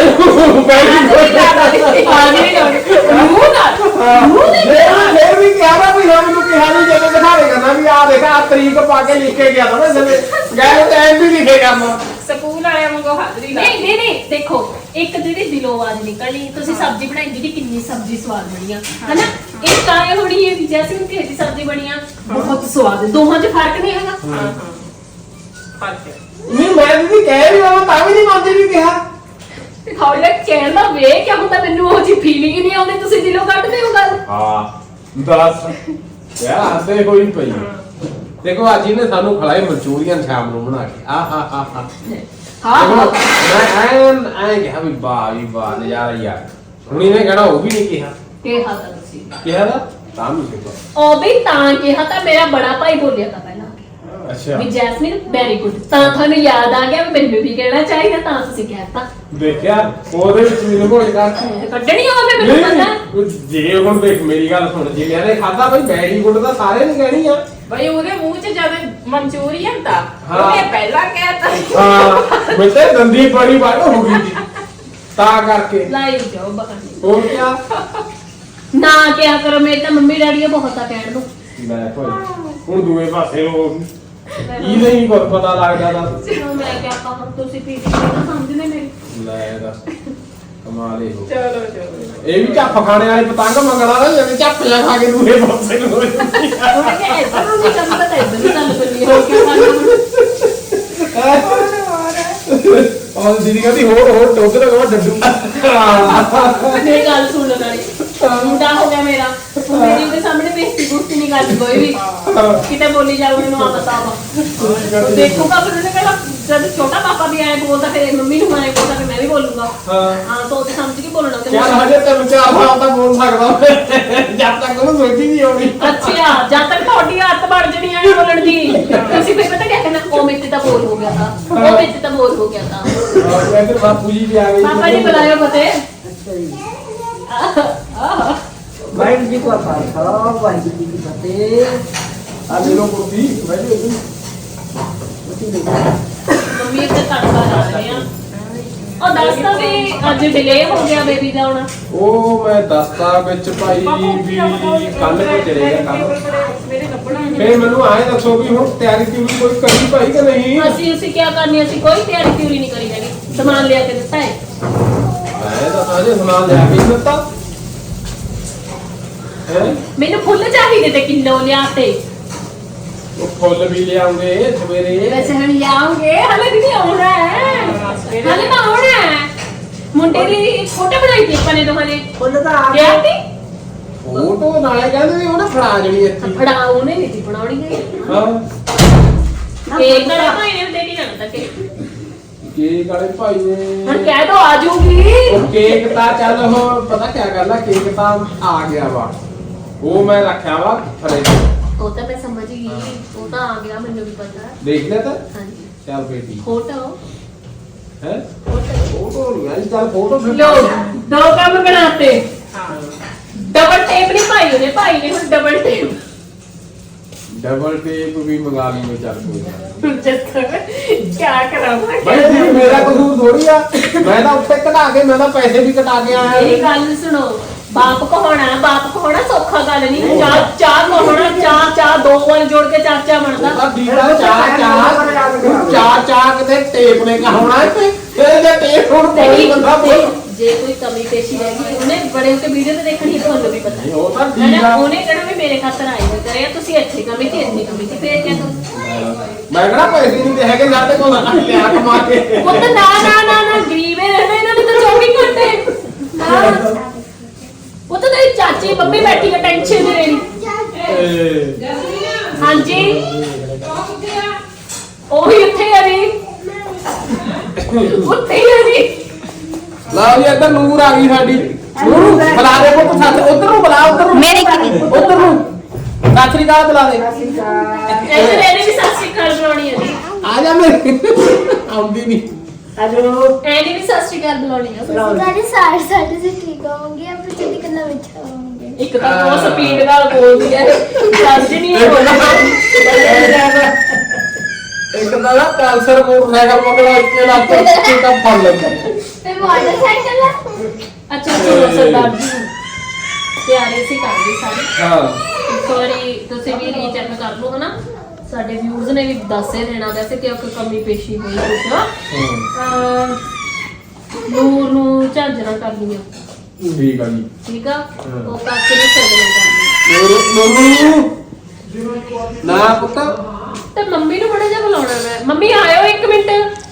ਫਿਰ ਵੀ ਕਿਹਾ ਨਾ ਵੀ ਮੈਨੂੰ ਕਿਹਾ ਨਹੀਂ ਜਦੋਂ ਦਿਖਾਵੇ ਕਰਨਾ ਵੀ ਆਹ ਦੇਖ ਆ ਤਰੀਕ ਪਾ ਕੇ ਲਿਖ ਕੇ ਗਿਆ ਨਾ ਜਿਵੇਂ ਗਏ ਟਾਈਮ ਵੀ ਲਿਖੇ ਕਰਨਾ
ਸਕੂਲ ਵਾਲਿਆਂ ਵਾਂਗੂ ਹਾਜ਼ਰੀ ਲਾ
ਨਹੀਂ ਦੇਖੋ ਇੱਕ ਜਿਹੜੀ ਦਿਲੋਂ ਆਵਾਜ਼ ਨਿਕਲਣੀ ਤੁਸੀਂ ਸਬਜ਼ੀ ਬਣਾਈ ਜਿਹਦੀ ਕਿੰਨੀ ਸਬਜ਼ੀ ਸਵਾਦ ਬਣੀ ਆ ਹਨਾ ਇਹ ਕਾਇ ਹੋਣੀ ਹੈ ਵੀ ਜੈਸੇ ਕਿ ਇਹਦੀ ਸਬਜ਼ੀ ਬਣੀ ਆ ਬਹੁਤ ਸਵਾਦ ਦੋਹਾਂ 'ਚ ਫਰਕ ਨਹੀਂ ਹੈਗਾ
ਫਰਕ
ਨਹੀਂ ਮੈਂ ਵੀ ਕਹਿ ਵੀ ਆਵਾਂ ਤਾਂ ਵੀ ਨਹੀਂ ਮੰਨਦੇ ਵੀ ਕਿਹਾ
ਥੋੜਾ ਕਹਿਣ ਦਾ ਵੇ ਕਿਆ ਹੁੰਦਾ ਮੈਨੂੰ ਉਹ ਜੀ ਫੀਲਿੰਗ ਨਹੀਂ ਆਉਂਦੀ ਤੁਸੀਂ ਦਿਲੋਂ ਕੱਢਦੇ ਹੋ ਗੱਲ
ਹਾਂ ਦੱਸ ਯਾਰ ਹੱਸੇ ਕੋਈ ਪਈ ਦੇਖੋ ਅੱਜ ਇਹਨੇ ਸਾਨੂੰ ਖਲਾਏ ਮਨਚੂਰੀਅਨ ਸ਼ਾਮ ਨੂੰ ਬਣਾ ਕੇ
ਹਾਂ
ਮੈਂ ਕਿਹਾ ਵੀ ਵਾਹ ਨਜ਼ਾਰਾ ਯਾਰ ਹੁਣ ਇਹਨੇ ਕਹਿਣਾ ਉਹ ਵੀ ਨਹੀਂ ਕਿਹਾ
ਕਿਹਾ ਤਾਂ ਤੁਸੀਂ
ਕਿਹਾ ਦਾ ਤਾਂ ਨਹੀਂ ਕਿਹਾ
ਉਹ ਵੀ ਤਾਂ ਕਿਹਾ ਤਾਂ ਮੇਰਾ ਬੜਾ ਭਾਈ ਬੋਲਿਆ ਤਾਂ ਪਹਿਲਾਂ
ਅੱਛਾ
ਵੀ ਜੈਸਮੀਨ ਵੈਰੀ ਗੁੱਡ ਤਾਂ ਤੁਹਾਨੂੰ ਯਾਦ ਆ ਗਿਆ ਵੀ ਮੈਨੂੰ ਵੀ ਕਹਿਣਾ ਚਾਹੀਦਾ ਤਾਂ ਤੁਸੀਂ ਕਹਿਤਾ
ਦੇਖਿਆ ਉਹਦੇ ਵਿੱਚ ਮੈਨੂੰ ਕੋਈ ਕਰਤੀ
ਕੱਢਣੀ ਹੋਵੇ ਮੈਨੂੰ ਪਤਾ
ਨਹੀਂ ਜੇ ਹੁਣ ਦੇਖ ਮੇਰੀ ਗੱਲ ਸੁਣ ਜੇ ਮੈਨੇ ਖਾਦਾ ਬਈ ਵੈਰੀ ਗੁੱਡ ਦਾ ਸਾਰੇ ਨੇ ਕਹਿਣੀ ਆ
ਬਈ ਉਹਦੇ ਮੂੰਹ 'ਚ ਜਦ ਮਨਚੂਰੀਅਨ ਤਾਂ
ਹਾਂ।
ਉਹਨੇ ਪਹਿਲਾਂ ਕਹਿਤਾ
ਹਾਂ ਮੈਂ ਤੇ ਦੰਦੀ ਬੜੀ ਵੱਡ ਹੋ ਗਈ ਸੀ ਤਾਂ ਕਰਕੇ
ਲਾਈ ਜਾਓ ਬਹਾਨੇ
ਹੋਰ ਕਿਆ
ਨਾ ਕਿਹਾ ਕਰੋ ਮੇਰੇ ਤਾਂ ਮੰਮੀ ਡੈਡੀ ਬਹੁਤ ਆ ਕਹਿਣ ਨੂੰ
ਲੈ ਭਾਈ ਹੁਣ ਦੂਏ ਪਾਸੇ ਉਹ ਇਹ ਨਹੀਂ ਕੁਝ ਪਤਾ ਲੱਗਦਾ ਦੱਸ
ਚਲੋ ਮੈਂ ਕਿਹਾ ਕਹਾਂ ਤੁਸੀਂ ਪੀੜੀ ਨਾ ਸਮਝਦੇ ਮੇਰੀ
ਲੈ ਦੱਸ ਕਮਾਲੇ ਹੋ
ਚਲੋ
ਇਹ ਵੀ ਝੱਪ ਖਾਣੇ ਵਾਲੇ ਪਤੰਗ ਮੰਗਣਾ ਨਾ ਜਿਵੇਂ ਝੱਪ ਜਾ ਖਾ ਕੇ ਦੂਏ ਪਾਸੇ ਨੂੰ ਹੋ ਜਾਂਦੀ ਆ।
ਉਹਨੇ ਕਿਹਾ ਐਦਾਂ ਨਹੀਂ ਕਰਨਾ ਤਾਂ ਐਦਾਂ ਨਹੀਂ ਚੱਲ ਪਈ ਹੋ ਕੇ
ਔਰ ਦੀਦੀ ਕਹਿੰਦੀ ਹੋਰ ਟੋਕ ਦਾ ਕਵਾ ਡੱਡੂ
ਮੇਰੀ ਗੱਲ ਸੁਣ ਲਓ ਨਾਲੇ ਮੁੰਡਾ ਹੋ ਗਿਆ ਮੇਰਾ ਮੇਰੀ ਉਹਦੇ ਸਾਹਮਣੇ ਬੇਇੱਜ਼ਤੀ ਬੁੱਤੀ ਨਹੀਂ ਕਰਦੀ ਕੋਈ ਵੀ ਕਿਤੇ ਬੋਲੀ ਜਾਊ ਮੈਨੂੰ ਆ ਬਤਾਵਾ ਦੇਖੂਗਾ ਫਿਰ ਉਹਨੇ ਕਹਿਣਾ ਜਦ ਛੋਟਾ ਪਾਪਾ ਵੀ ਆਏ ਬੋਲਦਾ ਫਿਰ ਮੰਮੀ ਨੂੰ ਆਏ ਬੋਲਦਾ ਫਿਰ ਮੈਂ ਵੀ ਬੋਲੂਗਾ ਹਾਂ ਸੋਚ ਸਮਝ ਕੇ ਬੋਲਣਾ ਤੇ
ਯਾਰ ਹਜੇ ਤੈਨੂੰ 4 ਸਾਲ ਤੱਕ ਬੋਲ ਸਕਦਾ ਜਦ ਤੱਕ ਉਹਨੂੰ ਸੋਚੀ ਨਹੀਂ ਆਉਣੀ
ਅੱਛਾ ਜਦ ਤੱਕ ਤੁਹਾਡੀ ਆਦਤ ਬਣ ਜਣੀ ਆ ਬੋਲਣ ਦੀ ਤੁਸੀਂ ਫਿਰ ਪਤਾ ਕਿਆ ਕਹਿਣਾ ਉਹ ਮੇਰੇ ਤੇ ਤਾਂ ਬੋਲ ਹੋ ਗਿਆ ਤਾਂ ਉਹ ਮੇਰੇ ਤੇ ਤਾਂ ਬੋਲ ਹੋ ਗਿਆ ਤਾਂ
ਔਰ ਮੈਂ ਫਿਰ ਬਾਪੂ ਜੀ ਵੀ ਆ ਗਏ
ਪਾਪਾ ਜੀ ਬੁਲਾਇਓ ਫਤੇ
ਵਾਹਿਗੁਰੂ ਜੀ ਕਾ ਖਾਲਸਾ ਵਾਹਿਗੁਰੂ ਜੀ ਕੀ ਫਤਿਹ।
ਆ ਲੈ ਲੋ ਕੁਰਸੀ ਬੈਠੋ ਇੱਥੇ
ਮੰਮੀ ਇੱਥੇ ਤੜਕਾ ਲਾ ਰਹੇ ਆ ਉਹ ਦੱਸਦਾ ਵੀ ਅੱਜ ਡਿਲੇ ਹੋ ਗਿਆ ਬੇਬੀ ਦਾ ਆਉਣਾ
ਉਹ ਮੈਂ ਦੱਸਤਾ ਵਿੱਚ ਭਾਈ ਵੀ ਕੱਲ ਨੂੰ ਚਲੇਗਾ ਕੰਮ
ਮੇਰੇ ਲੱਭਣਾ
ਫੇਰ ਮੈਨੂੰ ਆਏ ਦੱਸੋ ਵੀ ਹੁਣ ਤਿਆਰੀ ਤਿਉਰੀ ਕੋਈ ਕਰੀ ਭਾਈ ਕਿ ਨਹੀਂ
ਅਸੀਂ ਕੀ ਕਰਨੀ ਅਸੀਂ ਕੋਈ ਤਿਆਰੀ ਤਿਉਰੀ ਨਹੀਂ ਕਰੀ ਹੈਗੀ ਸਮਾਨ ਲਿਆ ਕੇ ਦਿੱਤਾ ਹੈ
ਮੈਂ ਤਾਂ ਸਾਜੇ ਸਮਾਨ ਲਿਆ ਕੇ ਹੀ ਦਿੱਤਾ ਹੈ
ਮੈਨੂੰ ਫੁੱਲ ਚਾਹੀਦੇ ਤੇ ਕਿਲੋ ਲਿਆ ਤੇ
ਉਹ ਫੁੱਲ ਵੀ ਲਿਆਉਂਗੇ ਸਵੇਰੇ
ਵੈਸੇ ਹੁਣ ਲਿਆਉਂਗੇ ਹਲੇ ਵੀ ਨਹੀਂ ਆਉਣਾ ਹੈ ਹਲੇ ਤਾਂ ਆਉਣਾ ਹੈ ਮੁੰਡੇ ਦੀ ਫੋਟੋ ਬਣਾਈ ਸੀ ਆਪਾਂ ਨੇ ਦੋਹਾਂ ਨੇ
ਫੁੱਲ ਤਾਂ ਆ
ਲਿਆ ਤੀ
ਫੋਟੋ ਨਾਲੇ ਕਹਿੰਦੇ ਵੀ ਉਹਨੇ ਫੜਾ ਜਣੀ ਇੱਥੇ
ਫੜਾ ਉਹਨੇ ਨਹੀਂ ਸੀ ਬਣਾਉਣੀ ਗਈ
ਹਾਂ
ਕੇਕ ਵਾਲੇ ਭਾਈ ਨੇ ਦੇ ਕੇ ਜਾਣਾ ਤਾਂ
ਕੇਕ ਵਾਲੇ ਭਾਈ ਨੇ
ਹੁਣ ਕਹਿ ਦੋ ਆ ਜਾਊਗੀ
ਉਹ ਕੇਕ ਤਾਂ ਚੱਲ ਉਹ ਪਤਾ ਕੀ ਗੱਲ ਆ ਕੇਕ ਤਾਂ ਆ ਗਿਆ ਵਾ ਉਹ ਮੈਂ ਰੱਖਿਆ ਵਾ ਫਰਿੱਜ
ਉਹ ਤਾਂ ਮੈਂ ਸਮਝ ਗਈ ਉਹ ਤਾਂ ਆ ਗਿਆ ਮੈਨੂੰ ਵੀ ਪਤਾ
ਦੇਖ ਲਿਆ ਤਾਂ
ਹਾਂਜੀ
ਚੱਲ ਬੇਟੀ
ਫੋਟੋ
ਹੈ ਫੋਟੋ ਨਹੀਂ ਆਈ ਚੱਲ ਫੋਟੋ
ਲੋ ਦੋ ਕੰਮ ਬਣਾਤੇ
ਹਾਂ
ਡਬਲ ਟੇਪ ਨਹੀਂ ਭਾਈ ਨੇ ਹੁਣ ਡਬਲ ਟੇਪ
ਡਬਲ ਟੇਪ ਵੀ ਮੰਗਾ ਲਈ ਮੈਂ ਚੱਲ ਕੋਈ ਨਾ।
ਕੀ ਕਰਾਂਗਾ
ਭਾਈ ਜੀ ਮੇਰਾ ਕਸੂਰ ਥੋੜੀ ਆ ਮੈਂ ਤਾਂ ਉੱਤੇ ਕਢਾ ਕੇ ਮੈਂ ਤਾਂ ਪੈਸੇ ਵੀ ਕਟਾ ਕੇ ਆਇਆ
ਇਹ ਗੱਲ ਸੁਣੋ ਬਾਪ ਕਹਾਉਣਾ ਸੌਖਾ ਗੱਲ ਨਹੀਂ ਚਾਹ ਕਹਾਉਣਾ ਚਾਹ ਦੋ ਵਾਰ ਜੋੜ ਕੇ ਚਾਚਾ ਬਣਦਾ
ਤਾਂ ਦੀਦਾ ਚਾਰ ਕਿਤੇ ਟੇਪ ਨੇ ਕਹਾਉਣਾ ਤੇ ਜੇ ਟੇਪ ਹੁਣ ਕੋਈ ਬੰਦਾ
ਜੇ ਕੋਈ ਕਮੀ ਪੇਸ਼ੀ ਰਹਿ ਗਈ ਉਹਨੇ ਬੜੇ ਉੱਤੇ ਵੀਡੀਓ ਤੇ ਦੇਖਣੀ ਤੁਹਾਨੂੰ ਵੀ ਪਤਾ
ਉਹ ਤਾਂ
ਹੈ
ਠੀਕ
ਨਾ
ਆ
ਉਹਨੇ ਕਹਿਣਾ ਵੀ ਮੇਰੇ ਖਾਤਰ ਆਏ ਹੋਏ ਕਰਿਆ ਤੁਸੀਂ ਇੱਥੇ ਕਮੀ ਤੇ ਇੰਨੀ ਕਮੀ ਤੇ ਫੇਰ ਕਿਆ ਕਰੋ
ਮੈਂ ਕਿਹੜਾ ਪੈਸੇ ਨਹੀਂ ਤੇ ਹੈਗੇ ਸਾਡੇ ਕੋਲ ਲਿਆ ਕਮਾ ਕੇ
ਪੁੱਤ ਨਾ ਗਰੀਬੇ ਰਹਿਣਾ ਇਹਨਾਂ ਨੇ ਤਾਂ 24 ਘੰਟੇ ਨਾ ਪੁੱਤ ਤੇਰੀ ਚਾਚੀ ਮੰਮੀ ਬੈਠੀ ਹੈ ਟੈਨਸ਼ਨ ਨਹੀਂ ਲੈਣੀ ਹਾਂਜੀ ਉਹੀ ਉੱਥੇ ਆ ਜੀ ਉੱਥੇ ਹੀ ਆ ਜੀ
ਲਓ ਜੀ ਇੱਧਰ ਨੂਰ ਆ ਗਈ ਸਾਡੀ ਨੂਰ ਬੁਲਾ ਦੇ ਪੁੱਤ ਸੱਚ ਉਧਰ ਨੂੰ ਬੁਲਾ ਉਧਰ ਨੂੰ
ਮੇਰੇ
ਉਧਰ ਨੂੰ ਸਤਿ ਸ੍ਰੀ ਅਕਾਲ ਬੁਲਾ ਦੇ
ਇੱਧਰ ਇਹਨੇ ਵੀ ਸਤਿ ਸ਼੍ਰੀ ਅਕਾਲ ਬੁਲਾਉਣੀ ਹੈ ਜੀ
ਆ ਜਾ ਮੇਰੇ ਆਉਂਦੀ ਨਹੀਂ
ਆਜੋ
ਇਹਨੇ ਵੀ ਸਤਿ ਸ਼੍ਰੀ ਅਕਾਲ ਬੁਲਾਉਣੀ ਹੈ
ਸਾਡੇ से ठीक होंगे अब चली करना अच्छा होंगे
ਇੱਕ ਤਾਂ ਬਹੁਤ ਸਪੀਡ ਨਾਲ ਬੋਲਦੀ ਹੈ ਸਮਝ ਨਹੀਂ ਆਉਂਦਾ
ਇੱਕ ਤਾਂ ਨਾ ਕੈਂਸਰ ਮੋਟਰਸਾਈਕਲ ਮਗਰ ਇੱਕੇ ਲੱਗ ਕੇ ਤਾਂ ਫੜ ਲੈਂਦਾ
फिर मोटरसाइकिल है
ਅੱਛਾ ਚਲੋ ਸਰਦਾਰ ਜੀ ਤਿਆਰੀ ਸੀ ਕਰਦੇ ਸਾਰੇ
ਹਾਂ
ਇੱਕ ਵਾਰੀ ਤੁਸੀਂ ਵੀ ਰੀਚੈਕ ਕਰ ਲਓ ਹਨਾ ਸਾਡੇ ਵਿਊਜ਼ ਨੇ ਵੀ ਦੱਸ ਹੀ ਦੇਣਾ ਵੈਸੇ ਕਿ ਕੋਈ ਕਮੀ ਪੇਸ਼ੀ ਹੋਈ ਕੁਛ ਨੂਰ ਨੂੰ ਝਾਂਜਰਾਂ ਕਰਨੀਆਂ
ਠੀਕ ਆ ਜੀ
ਠੀਕ ਆ ਉਹ ਕਾਕੇ ਨੂੰ ਸਗਨ ਕਰਨੀ
ਨੂਰ ਨਾ ਪੁੱਤ
ਤੇ ਮੰਮੀ ਨੂੰ ਬੜਾ ਜਿਹਾ ਬੁਲਾਉਣਾ ਮੈਂ ਮੰਮੀ ਆਇਓ 1 ਮਿੰਟ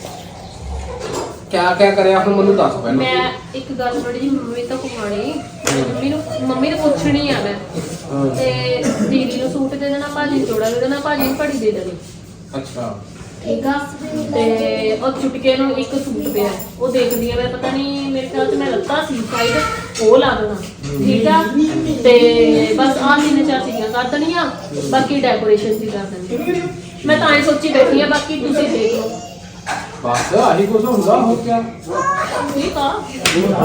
ਕਿਆ ਕਿਆ ਕਰਿਆ ਹੁਣ ਮੈਨੂੰ ਦੱਸ ਪਹਿਲਾਂ
ਮੈਂ ਇੱਕ ਗੱਲ ਥੋੜੀ ਜਿਹੀ ਮੰਮੀ ਤੋਂ ਪੁੱਛਣੀ ਮੰਮੀ ਨੂੰ ਪੁੱਛਣੀ ਆ ਮੈਂ ਤੇ ਦੀਦੀ ਨੂੰ ਸੂਟ ਦੇ ਦੇਣਾ ਭਾਜੀ ਨੂੰ ਜੋੜਾ ਦੇ ਦੇਣਾ ਭਾਜੀ ਨੂੰ ਘੜੀ ਦੇ ਦੇਣੀ
ਅੱਛਾ
ਠੀਕ ਆ ਤੇ ਉਹ ਚੁਟਕੇ ਨੂੰ ਇੱਕ ਸੂਟ ਪਿਆ ਉਹ ਦੇਖਦੀ ਆ ਮੈਂ ਪਤਾ ਨਹੀਂ ਮੇਰੇ ਖਿਆਲ ਚ ਮੈਂ ਲੱਤਾ ਸੀ ਸਾਈਡ ਉਹ ਲਾ ਦੇਣਾ ਠੀਕ ਆ ਤੇ ਬਸ ਆਹ 3-4 ਚੀਜ਼ਾਂ ਕਰ ਦੇਣੀਆਂ ਬਾਕੀ ਡੈਕੋਰੇਸ਼ਨ ਸੀ ਕਰ ਦੇਣੀ ਮੈਂ ਤਾਂ ਐ ਸੋਚੀ ਬੈਠੀ ਆ ਬਾਕੀ ਤੁਸੀਂ ਦੇਖ ਲਓ
ਬਸ ਆਹੀ ਕੁਝ ਹੁੰਦਾ ਹੋਰ ਕਿਆ
ਠੀਕ ਆ
ਹੈਨਾ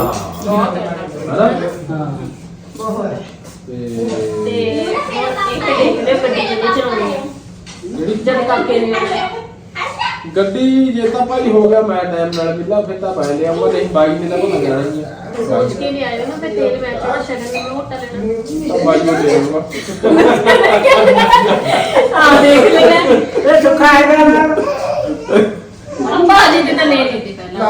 ਤੇ ਹੁਣ ਇੱਕ ਦੇਖਦੇ ਗੱਡੀ ਕਿੰਨੀ ਚਲਾਉਣੀ ਆ ਜਦ ਕਾਕੇ ਨੇ ਆਉਣਾ।
ਗੱਡੀ ਜੇ ਤਾਂ ਭਾਈ ਹੋ ਗਿਆ ਮੈਂ ਟਾਈਮ ਨਾਲ ਮਿਲਾ ਫਿਰ ਤਾਂ ਪੈ ਲਿਆਉਂਗਾ ਨਹੀਂ ਬਾਈ ਨੇ ਤਾਂ ਭੁੱਲ ਜਾਣਾ ਹੀ ਆ
ਸੋਚ ਕੇ ਨਹੀਂ ਆਇਆ ਨਾ ਮੈਂ ਤੇਲ ਮੈਂ ਥੋੜਾ ਸ਼ਗਨ ਨੂੰ ਮੋਟਾ ਲੈਣਾ
ਤਾਂ ਬਾਈ ਨੂੰ ਦੇ ਆਉਂਗਾ
ਆ ਦੇਖ ਲੈਣਾ
ਇਹ ਸੁੱਖਾ ਹੈਗਾ ਨਾ
ਅੰਬਾ ਜੀ ਤੇ ਤਾਂ ਲੈ ਲੈਂਦੇ ਪਹਿਲਾਂ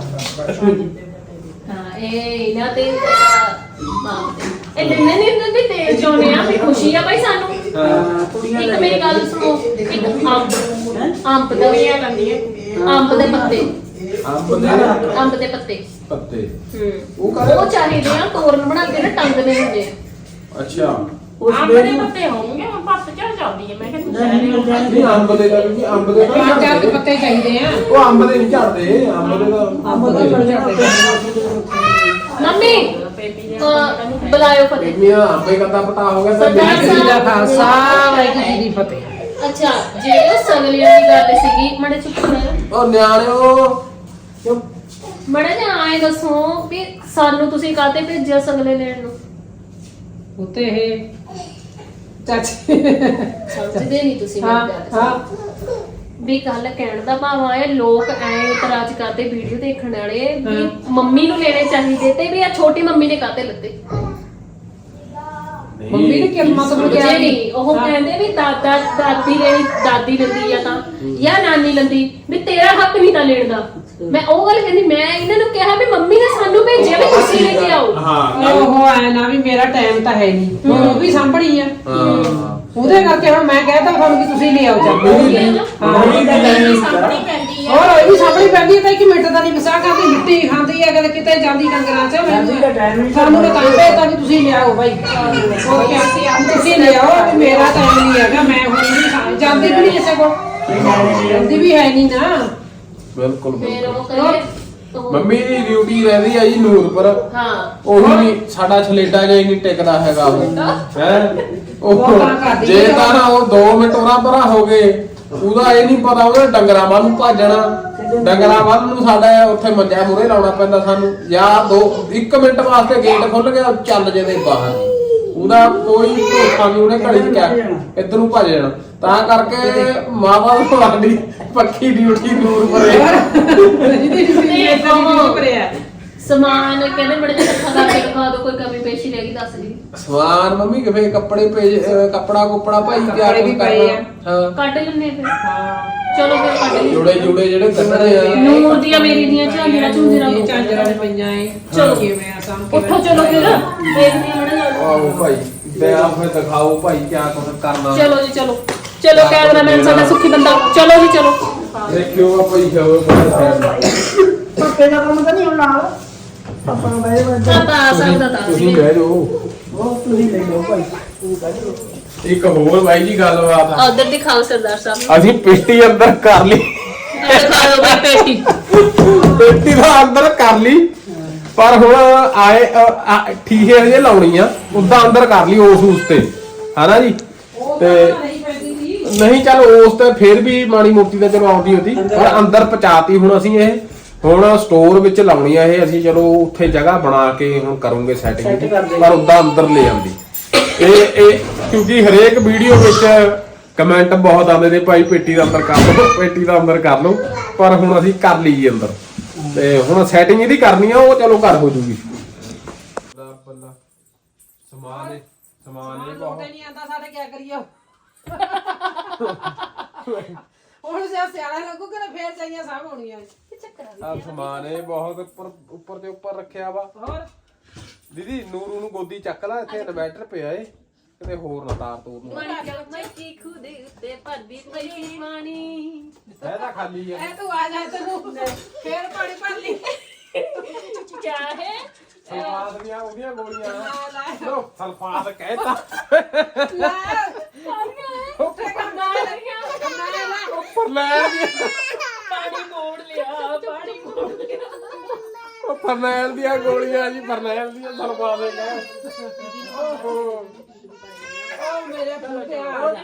ਹਾਂ ਇਹ ਇਹਨਾਂ ਤੇ ਇਹ ਦਿਨੇ ਨਹੀਂ ਦਿੰਦੇ ਤੇਲ ਚੋਨੇ ਆ ਵੀ ਖੁਸ਼ੀ ਆ ਭਾਈ ਸਾਨੂੰ ਇੱਕ ਮੇਰੀ ਗੱਲ ਸੁਣੋ ਇੱਕ ਅੰਬ ਦਾ ਵੀ ਆ ਲੰਦੀ ਅੰਬ ਦੇ ਪੱਤੇ ਅੰਬ ਦੇ ਪੱਤੇ
ਪੱਤੇ
ਉਹ ਚਾਹੀਦੇ ਆ ਤੋਰਨ ਬਣਾ ਕੇ ਨਾ ਟੰਗਦੇ ਹੁੰਦੇ ਆ
ਅੱਛਾ
ਅੰਬ ਦੇ ਪੱਤੇ ਹੋਣਗੇ ਪੱਤ ਚੜ ਜਾਂਦੀ ਹੈ ਮੈਂ ਕਹਿੰਦੀ
ਨਹੀਂ ਅੰਬ ਦੇ ਦਾ ਵੀ ਅੰਬ ਦੇ ਤਾਂ
ਚਾਰ ਪੱਤੇ ਚਾਹੀਦੇ ਆ
ਉਹ ਅੰਬ ਦੇ ਨਹੀਂ ਝੜਦੇ ਅੰਬ ਦੇ ਤਾਂ
ਮੰਮੀ ਬੁਲਾਇਓ ਫਤਿਹ
ਮੀਆਂ ਅੰਬੇ ਕੰਦਾ ਪਟਾ ਹੋ ਗਿਆ ਤਾਂ
ਸਰਦਾਰ ਸਾਹਿਬ
ਦਾ ਖਾਲਸਾ ਵਾਹਿਗੁਰੂ ਜੀ ਦੀ ਫਤਿਹ
ਅੱਛਾ ਜਿਹੜੇ ਉਹ ਸਗਲੀਆਂ ਦੀ ਗੱਲ ਸੀਗੀ ਮੜੇ ਚੁੱਪ ਕਰੋ
ਉਹ ਨਿਆਣਿਓ
ਮੜਾ ਜਿਹਾ ਆਏ ਦੱਸੋ ਵੀ ਸਾਨੂੰ ਤੁਸੀਂ ਕਾਹਤੇ ਭੇਜਿਆ ਸਗਲੇ ਲੈਣ ਨੂੰ
ਉਤੇ ਇਹ ਚਾਚੀ
ਸਮਝਦੇ ਨਹੀਂ ਤੁਸੀਂ ਮੇਰੀ ਗੱਲ
ਹਾਂ
ਵੀ ਗੱਲ ਕਹਿਣ ਦਾ ਭਾਵ ਆਇਆ ਲੋਕ ਐ ਇਤਰਾਜ਼ ਕਰਦੇ ਵੀਡੀਓ ਦੇਖਣ ਵਾਲੇ ਵੀ ਮੰਮੀ ਨੂੰ ਲੈਣੇ ਚਾਹੀਦੇ ਤੇ ਵੀ ਆ ਛੋਟੀ ਮੰਮੀ ਨੇ ਕਾਹਤੇ ਲੱਤੇ
ਮੰਮੀ ਨੇ ਕੀ ਮਤਲਬ
ਜੇ
ਕਿਹਾ
ਨਹੀਂ ਉਹ ਕਹਿੰਦੇ ਵੀ ਦਾਦੀ ਲੈਂਦੀ ਆ ਤਾਂ ਜਾਂ ਨਾਨੀ ਲੈਂਦੀ ਵੀ ਤੇਰਾ ਹੱਕ ਨਹੀਂ ਤਾਂ ਲੈਣ ਦਾ ਮੈਂ ਉਹ ਗੱਲ ਕਹਿੰਦੀ ਮੈਂ ਇਹਨਾਂ ਨੂੰ ਕਿਹਾ ਵੀ ਮੰਮੀ ਨੇ ਸਾਨੂੰ ਭੇਜਿਆ ਵੀ ਤੁਸੀਂ ਲੈ ਕੇ ਆਓ
ਹਾਂ
ਉਹ ਐ ਨਾ ਵੀ ਮੇਰਾ ਟਾਈਮ ਤਾਂ ਹੈ ਨਹੀਂ ਹੁਣ ਉਹ ਵੀ ਸਾਂਭਣੀ ਆ ਉਹਦੇ ਕਰਕੇ ਹੁਣ ਮੈਂ ਕਹਿਤਾ ਤੁਹਾਨੂੰ ਕਿ ਤੁਸੀਂ ਲੈ ਆਓ ਚੱਲ
ਸਾਹਮਣੀ ਪੈਂਦੀ ਹੈ
ਹੋਰ ਇਹ ਵੀ ਸਾਂਭਣੀ ਪੈਂਦੀ ਹੈ ਤਾਂ ਇੱਕ ਮਿੰਟ ਦਾ ਨਹੀਂ ਵਿਸਾਹ ਕਰਦੀ ਮਿੱਟੀ ਖਾਂਦੀ ਹੈ ਕਦੇ ਕਿਤੇ ਜਾਂਦੀ ਡੰਗਰਾਂ 'ਚ ਸਾਨੂੰ ਤਾਂ ਭੇਜਤਾ ਵੀ ਤੁਸੀਂ ਲਿਆਓ ਭਾਈ ਹੋਰ ਕਿਆ ਤੁਸੀਂ ਲਿਆਓ ਵੀ ਮੇਰਾ ਟਾਈਮ ਨਹੀਂ ਹੈਗਾ ਮੈਂ ਹੁਣ ਨਹੀਂ ਜਾਂਦੀ ਵੀ ਨਹੀਂ ਕਿਸੇ ਕੋਲ ਜਾਂਦੀ ਵੀ ਹੈ ਨਹੀਂ ਨਾ
ਬਿਲਕੁਲ
ਫਿਰ ਉਹ
ਬਿਲਕੁਲ।
ਕਹਿੰਦੇ ਉਹ-
ਮੰਮੀ ਦੀ ਡਿਊਟੀ ਰਹਿੰਦੀ ਆ ਜੀ ਨੂਰਪੁਰ
ਹਾਂ
ਉਹੀ ਨਹੀਂ ਸਾਡਾ ਛਲੇਟਾ ਜਿਹਾ ਹੀ ਨਹੀਂ ਟਿਕਦਾ ਹੈਗਾ ਉਹ ਹੈ
ਉਹ ਤਾਂ ਕਰਦੀ
ਜੇ
ਆ।
ਤਾਂ ਨਾ ਉਹ 2 ਮਿੰਟ ਉਹਨਾਂ ਪਰਾਂ ਹੋ ਗਏ ਉਹਦਾ ਇਹ ਨਹੀਂ ਪਤਾ ਉਹਨੇ ਡੰਗਰਾਂ ਵੱਲ ਨੂੰ ਭੱਜਣਾ ਡੰਗਰਾਂ ਵੱਲ ਨੂੰ ਸਾਡਾ ਉੱਥੇ ਮੰਜਾ ਮੂਰੇ ਲਾਉਣਾ ਪੈਂਦਾ ਸਾਨੂੰ ਜਾਂ 1 ਮਿੰਟ ਵਾਸਤੇ ਗੇਟ ਖੁੱਲ ਗਿਆ ਚੱਲ ਜਦੇ ਬਾਹਰ ਉਹਦਾ ਕੋਈ ਭਰੋਸਾ ਨਹੀਂ ਉਹਨੇ ਘੜੀ ਚ ਕਿਆ ਇੱਧਰ ਨੂੰ ਭੱਜ ਜਾਣਾ ਤਾਂ ਕਰਕੇ ਮਾਵਾ ਨੂੰ ਸਾਡੀ ਪੱਕੀ ਡਿਊਟੀ ਨੂਰਪੁਰੇ
ਸਮਾਨ ਕਹਿੰਦੇ ਬੜੇ ਜਿਹਾ ਇਕੱਠਾ ਕਰਕੇ ਦਿਖਾ ਦਿਓ ਕੋਈ ਕਮੀ ਪੇਸ਼ੀ ਰਹਿ ਗਈ ਦੱਸ ਦੀ
ਸਮਾਨ ਮੰਮੀ ਕਿਵੇਂ ਕੱਪੜੇ ਕੱਪੜਾ ਕੁਪੜਾ ਭਾਈ ਕਿਆ
ਕੱਪੜੇ ਵੀ
ਕੁਛ
ਪਏ
ਕਰਨਾ
ਆ।
ਹਾਂ
ਕੱਢ ਲੈਣੇ ਫਿਰ ਚਲੋ ਫਿਰ ਕੱਢ ਲਈ
ਜੁੜੇ ਜਿਹੜੇ ਕੱਢਣੇ ਆ
ਨੂਰ ਦੀਆਂ ਮੇਰੀ ਦੀਆਂ ਝਾਂਜਰਾਂ ਝੁੰਜਰਾਂ
ਇਹ ਝਾਂਜਰਾਂ ਨੇ ਪਈਆਂ ਏ
ਚਲੋ।
ਕਿਵੇਂ ਆ ਸਾਂਭ ਕੇ
ਉੱਠੋ ਚਲੋ ਫਿਰ ਦੇਖਦੇ ਹਾਂ ਮੜਾ
ਆਓ ਭਾਈ ਤੇ ਆ ਫਿਰ ਦਿਖਾਓ ਭਾਈ ਕਿਆ ਕੁਛ ਕਰਨਾ
ਚਲੋ ਜੀ ਚਲੋ ਚਲੋ ਕੈਮਰਾਮੈਨ ਸਾਡਾ ਸੁੱਖੀ ਬੰਦਾ ਚਲੋ ਜੀ ਚਲੋ
ਦੇਖਿਓ ਆ ਭਾਈ ਜਾਓ
ਪੱਕੇ ਦਾ ਕੰਮ ਤਾਂ ਨਹੀਂ ਹੁਣ ਨਾਲ ਪਾਪਾ ਨੂੰ ਬਹਿ
ਤਾਂ ਸਕਦਾ ਤਾਂ
ਤੁਸੀਂ ਬਹਿ ਜਾਓ
ਉਹ ਤੁਸੀਂ ਲੈ ਲਓ ਭਾਈ ਤੂੰ ਕੱਢ ਲਓ
ਇੱਕ ਹੋਰ ਬਾਈ ਜੀ ਗੱਲਬਾਤ ਆ
ਉਧਰ ਦਿਖਾਓ ਸਰਦਾਰ ਸਾਹਿਬ
ਅਸੀਂ ਪੇਟੀ ਅੰਦਰ ਕਰ ਲਈ
ਦਿਖਾਓ ਬਈ ਪੇਟੀ
ਪੇਟੀ ਦਾ ਅੰਦਰ ਕਰ ਲਈ ਪਰ ਹੁਣ ਆਏ ਠੀਕੇ ਹਜੇ ਲਾਉਣੀ ਆ ਉਦਾਂ ਅੰਦਰ ਕਰ ਲਈ ਉਸ ਤੇ ਹਨਾ ਜੀ ਤੇ ਨਹੀਂ ਚੱਲ ਉਸ ਤੇ ਫਿਰ ਵੀ ਮਾੜੀ ਮੋਟੀ ਤਾਂ ਚਲੋ ਆਉਂਦੀ ਹੁੰਦੀ ਪਰ ਅੰਦਰ ਪਹੁੰਚਾਤੀ ਹੁਣ ਅਸੀਂ ਇਹ ਹੁਣ ਸਟੋਰ ਵਿੱਚ ਲਾਉਣੀ ਆ ਇਹ ਅਸੀਂ ਚਲੋ ਉੱਥੇ ਜਗ੍ਹਾ ਬਣਾ ਕੇ ਹੁਣ ਕਰੂੰਗੇ ਸੈਟਿੰਗ ਪਰ ਉਦਾਂ ਅੰਦਰ ਲੈ ਆਉਂਦੀ ਇਹ ਕਿਉਂਕਿ ਹਰੇਕ ਵੀਡੀਓ ਵਿੱਚ ਕਮੈਂਟ ਬਹੁਤ ਆਉਂਦੇ ਨੇ ਭਾਈ ਪੇਟੀ ਦਾ ਅੰਦਰ ਕਰ ਲਓ ਪੇਟੀ ਦਾ ਅੰਦਰ ਕਰ ਲਓ ਪਰ ਹੁਣ ਅਸੀਂ ਕਰ ਲਈ ਅੰਦਰ ਤੇ ਹੁਣ ਸੈਟਿੰਗ ਇਹਦੀ ਕਰਨੀ ਆ ਉਹ ਚਲੋ ਘਰ ਹੋ ਜੂਗੀ ਸਮਾਨ ਇਹ ਬਹੁਤ
ਨਹੀਂ ਆਂਦਾ ਸਾਡੇ ਕੀ ਕਰੀਏ ਹੁਣ ਜੇ ਸਿਆਣਾ ਲੱਗੂਗਾ ਨਾ ਫੇਰ ਚਾਹੀਏ ਸਭ ਹੋਣੀਆਂ
ਆ ਸਮਾਨ ਇਹ ਬਹੁਤ ਉੱਪਰ ਤੇ ਉੱਪਰ ਰੱਖਿਆ ਵਾ
ਹੋਰ
ਦੀਦੀ ਨੂਰੂ ਨੂੰ ਗੋਦੀ ਚੱਕ ਲੈ ਇੱਥੇ ਇਨਵਰਟਰ ਪਿਆ ਏ ਕਿਤੇ ਹੋਰ ਨਾ ਤਾਰ ਤੋੜ ਨੂੰ
ਮੈਂ ਕੀ ਖੁਦੇ ਉੱਤੇ ਭਰਦੀ ਪਈ ਪਾਣੀ
ਇਹ ਤਾਂ ਖਾਲੀ ਆ
ਇਹ ਤੂੰ ਆ ਜਾ ਤੈਨੂੰ ਫੇਰ ਪਾਣੀ ਭਰ ਲਈ
ਕਿਆ ਹੈ
ਸਲਫਾਤ ਦੀਆਂ ਉਹਦੀਆਂ ਗੋਲੀਆਂ ਲੋ ਸਲਫਾਤ ਕਹਿਤਾ
ਲੈ
ਉੱਪਰ ਕਰਨਾ
ਉੱਪਰ ਲੈ
ਪਾਣੀ ਮੋੜ ਲਿਆ ਪਾਣੀ ਮੋੜ ਲਿਆ
ਉਹ ਫਰਨੈਲ ਦੀਆਂ ਗੋਲੀਆਂ ਜੀ ਫਰਨੈਲ ਦੀਆਂ ਸਲਫਾਤ ਦੇ ਕਹਿ ਓਹੋ
ਉਹ ਮੇਰੇ ਪੁੱਤੇ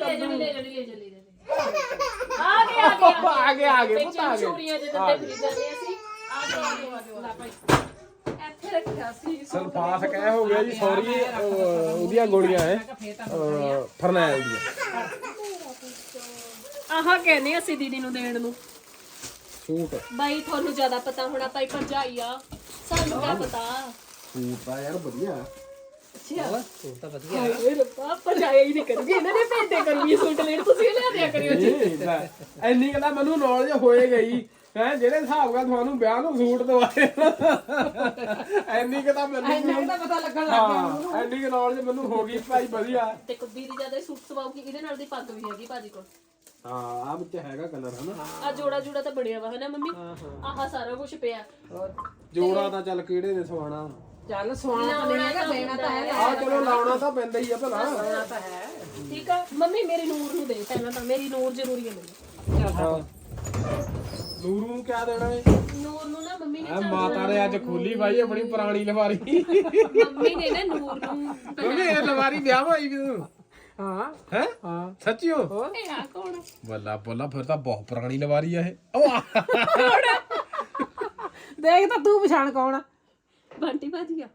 ਆ ਗਏ
ਪੁੱਤ ਆ ਗਏ
ਚੋਰੀਆਂ ਦੇ ਦਿੱਤੇ ਫਿਰੀ ਜਾਂਦੇ ਅਸੀਂ ਆ ਗਏ ਇੱਥੇ ਰੱਖਿਆ ਸੀ
ਸਲਫਾਤ ਕਹਿ ਹੋ ਗਿਆ ਜੀ ਸੌਰੀ ਉਹਦੀਆਂ ਗੋਲੀਆਂ ਹੈ ਫਰਨੈਲ ਦੀਆਂ
ਆਹ ਕਹਿੰਦੇ ਅਸੀਂ ਦੀਦੀ ਨੂੰ ਦੇਣ ਨੂੰ
ਸੂਟ
ਬਾਈ ਤੁਹਾਨੂੰ ਜ਼ਿਆਦਾ ਪਤਾ ਹੋਣਾ ਭਾਈ ਭਰਜਾਈ ਆ ਸਾਨੂੰ ਕਿਆ ਪਤਾ
ਸੂਟ ਤਾਂ ਯਾਰ ਵਧੀਆ
ਹਾਏ ਰੱਬਾ ਭਰਜਾਈ ਹੀ ਨਹੀਂ ਕਰੂਗੀ ਇਹਨਾਂ ਨੇ ਭੇਜਦੇ ਕਰੂਗੀ ਸੂਟ ਲੈਣ ਤੁਸੀਂ ਲਿਆ ਦਿਆ ਕਰਿਓ ਜੀ
ਇੰਨੀ ਗੱਲਾਂ ਮੈਨੂੰ ਨੌਲੇਜ ਹੋਏ ਗਈ ਹੈ ਜਿਹੜੇ ਹਿਸਾਬ ਨਾਲ ਤੁਹਾਨੂੰ ਵਿਆਹ ਨੂੰ ਸੂਟ ਦਵਾਏ ਇੰਨੀ ਕਿ ਤਾਂ ਮੈਨੂੰ
ਤਾਂ ਪਤਾ ਲੱਗਣ ਲੱਗ ਗਿਆ
ਹਾਂ ਇੰਨੀ ਕਿ ਨੌਲੇਜ ਮੈਨੂੰ ਹੋ ਗਈ ਭਾਈ ਵਧੀਆ
ਤੇ ਕੁੱਦੀ ਦੀ ਜਿਆਦਾ ਸੂਟ ਸਵਾਉਗੀ ਇਹਦੇ ਨਾਲ ਦੀ ਪੱਗ ਵੀ ਹੈਗੀ ਭਾਜੀ ਕੋਲ
ਹਾਂ ਆ ਵਿੱਚ ਹੈਗਾ ਕਲਰ ਹਨਾ
ਆ ਜੋੜਾ ਤਾਂ ਬਣਿਆ ਵਾ ਹਨਾ ਮੰਮੀ ਆਹ ਸਾਰਾ ਕੁਝ ਪਿਆ
ਜੋੜਾ ਤਾਂ ਚੱਲ ਕਿਹੜੇ ਨੇ ਸਵਾਣਾ
ਚੱਲ ਸਵਾਣਾ ਤਾਂ ਨਹੀਂ ਹੈਗਾ ਦੇਣਾ ਤਾਂ ਹੈ
ਆ ਚਲੋ ਲਾਉਣਾ ਤਾਂ ਪੈਂਦਾ ਹੀ ਆ ਭਲਾ
ਤਾਂ ਹੈ
ਠੀਕ ਆ ਮੰਮੀ ਮੇਰੀ ਨੂਰ ਨੂੰ ਦੇ ਪਹਿਲਾਂ ਤਾਂ ਮੇਰੀ ਨੂਰ ਜ਼ਰੂਰੀ ਹੈ ਮੈਨੂੰ
ਹਾਂ ਨੂਰੂ ਨੂੰ ਕਿਆ ਦੇਣਾ ਏ
ਨੂਰ ਨੂੰ ਨਾ ਮੰਮੀ ਨੇ
ਆ ਮਾਤਾ ਨੇ ਅੱਜ ਖੋਲੀ ਬਾਈ ਆਪਣੀ ਪੁਰਾਣੀ ਲਵਾਰੀ
ਮੰਮੀ ਨੇ ਨਾ ਨੂਰ ਨੂੰ
ਮੰਮੀ ਇਹ ਲਵਾਰੀ ਵਿਆਹ ਹੋਈ ਵੀ ਤੂੰ
ਹਾਂ
ਹੈ ਹਾਂ ਸੱਚੀਓ
ਇਹ ਆ ਕੌਣ
ਬੱਲਾ ਬੱਲਾ ਫਿਰ ਤਾਂ ਬਹੁਤ ਪੁਰਾਣੀ ਲਵਾਰੀ ਆ ਇਹ ਉਹ
ਦੇਖ ਤਾਂ ਤੂੰ ਪਛਾਣ ਕੌਣ ਆ
ਬੰਟੀ ਭਾਜੀ ਆ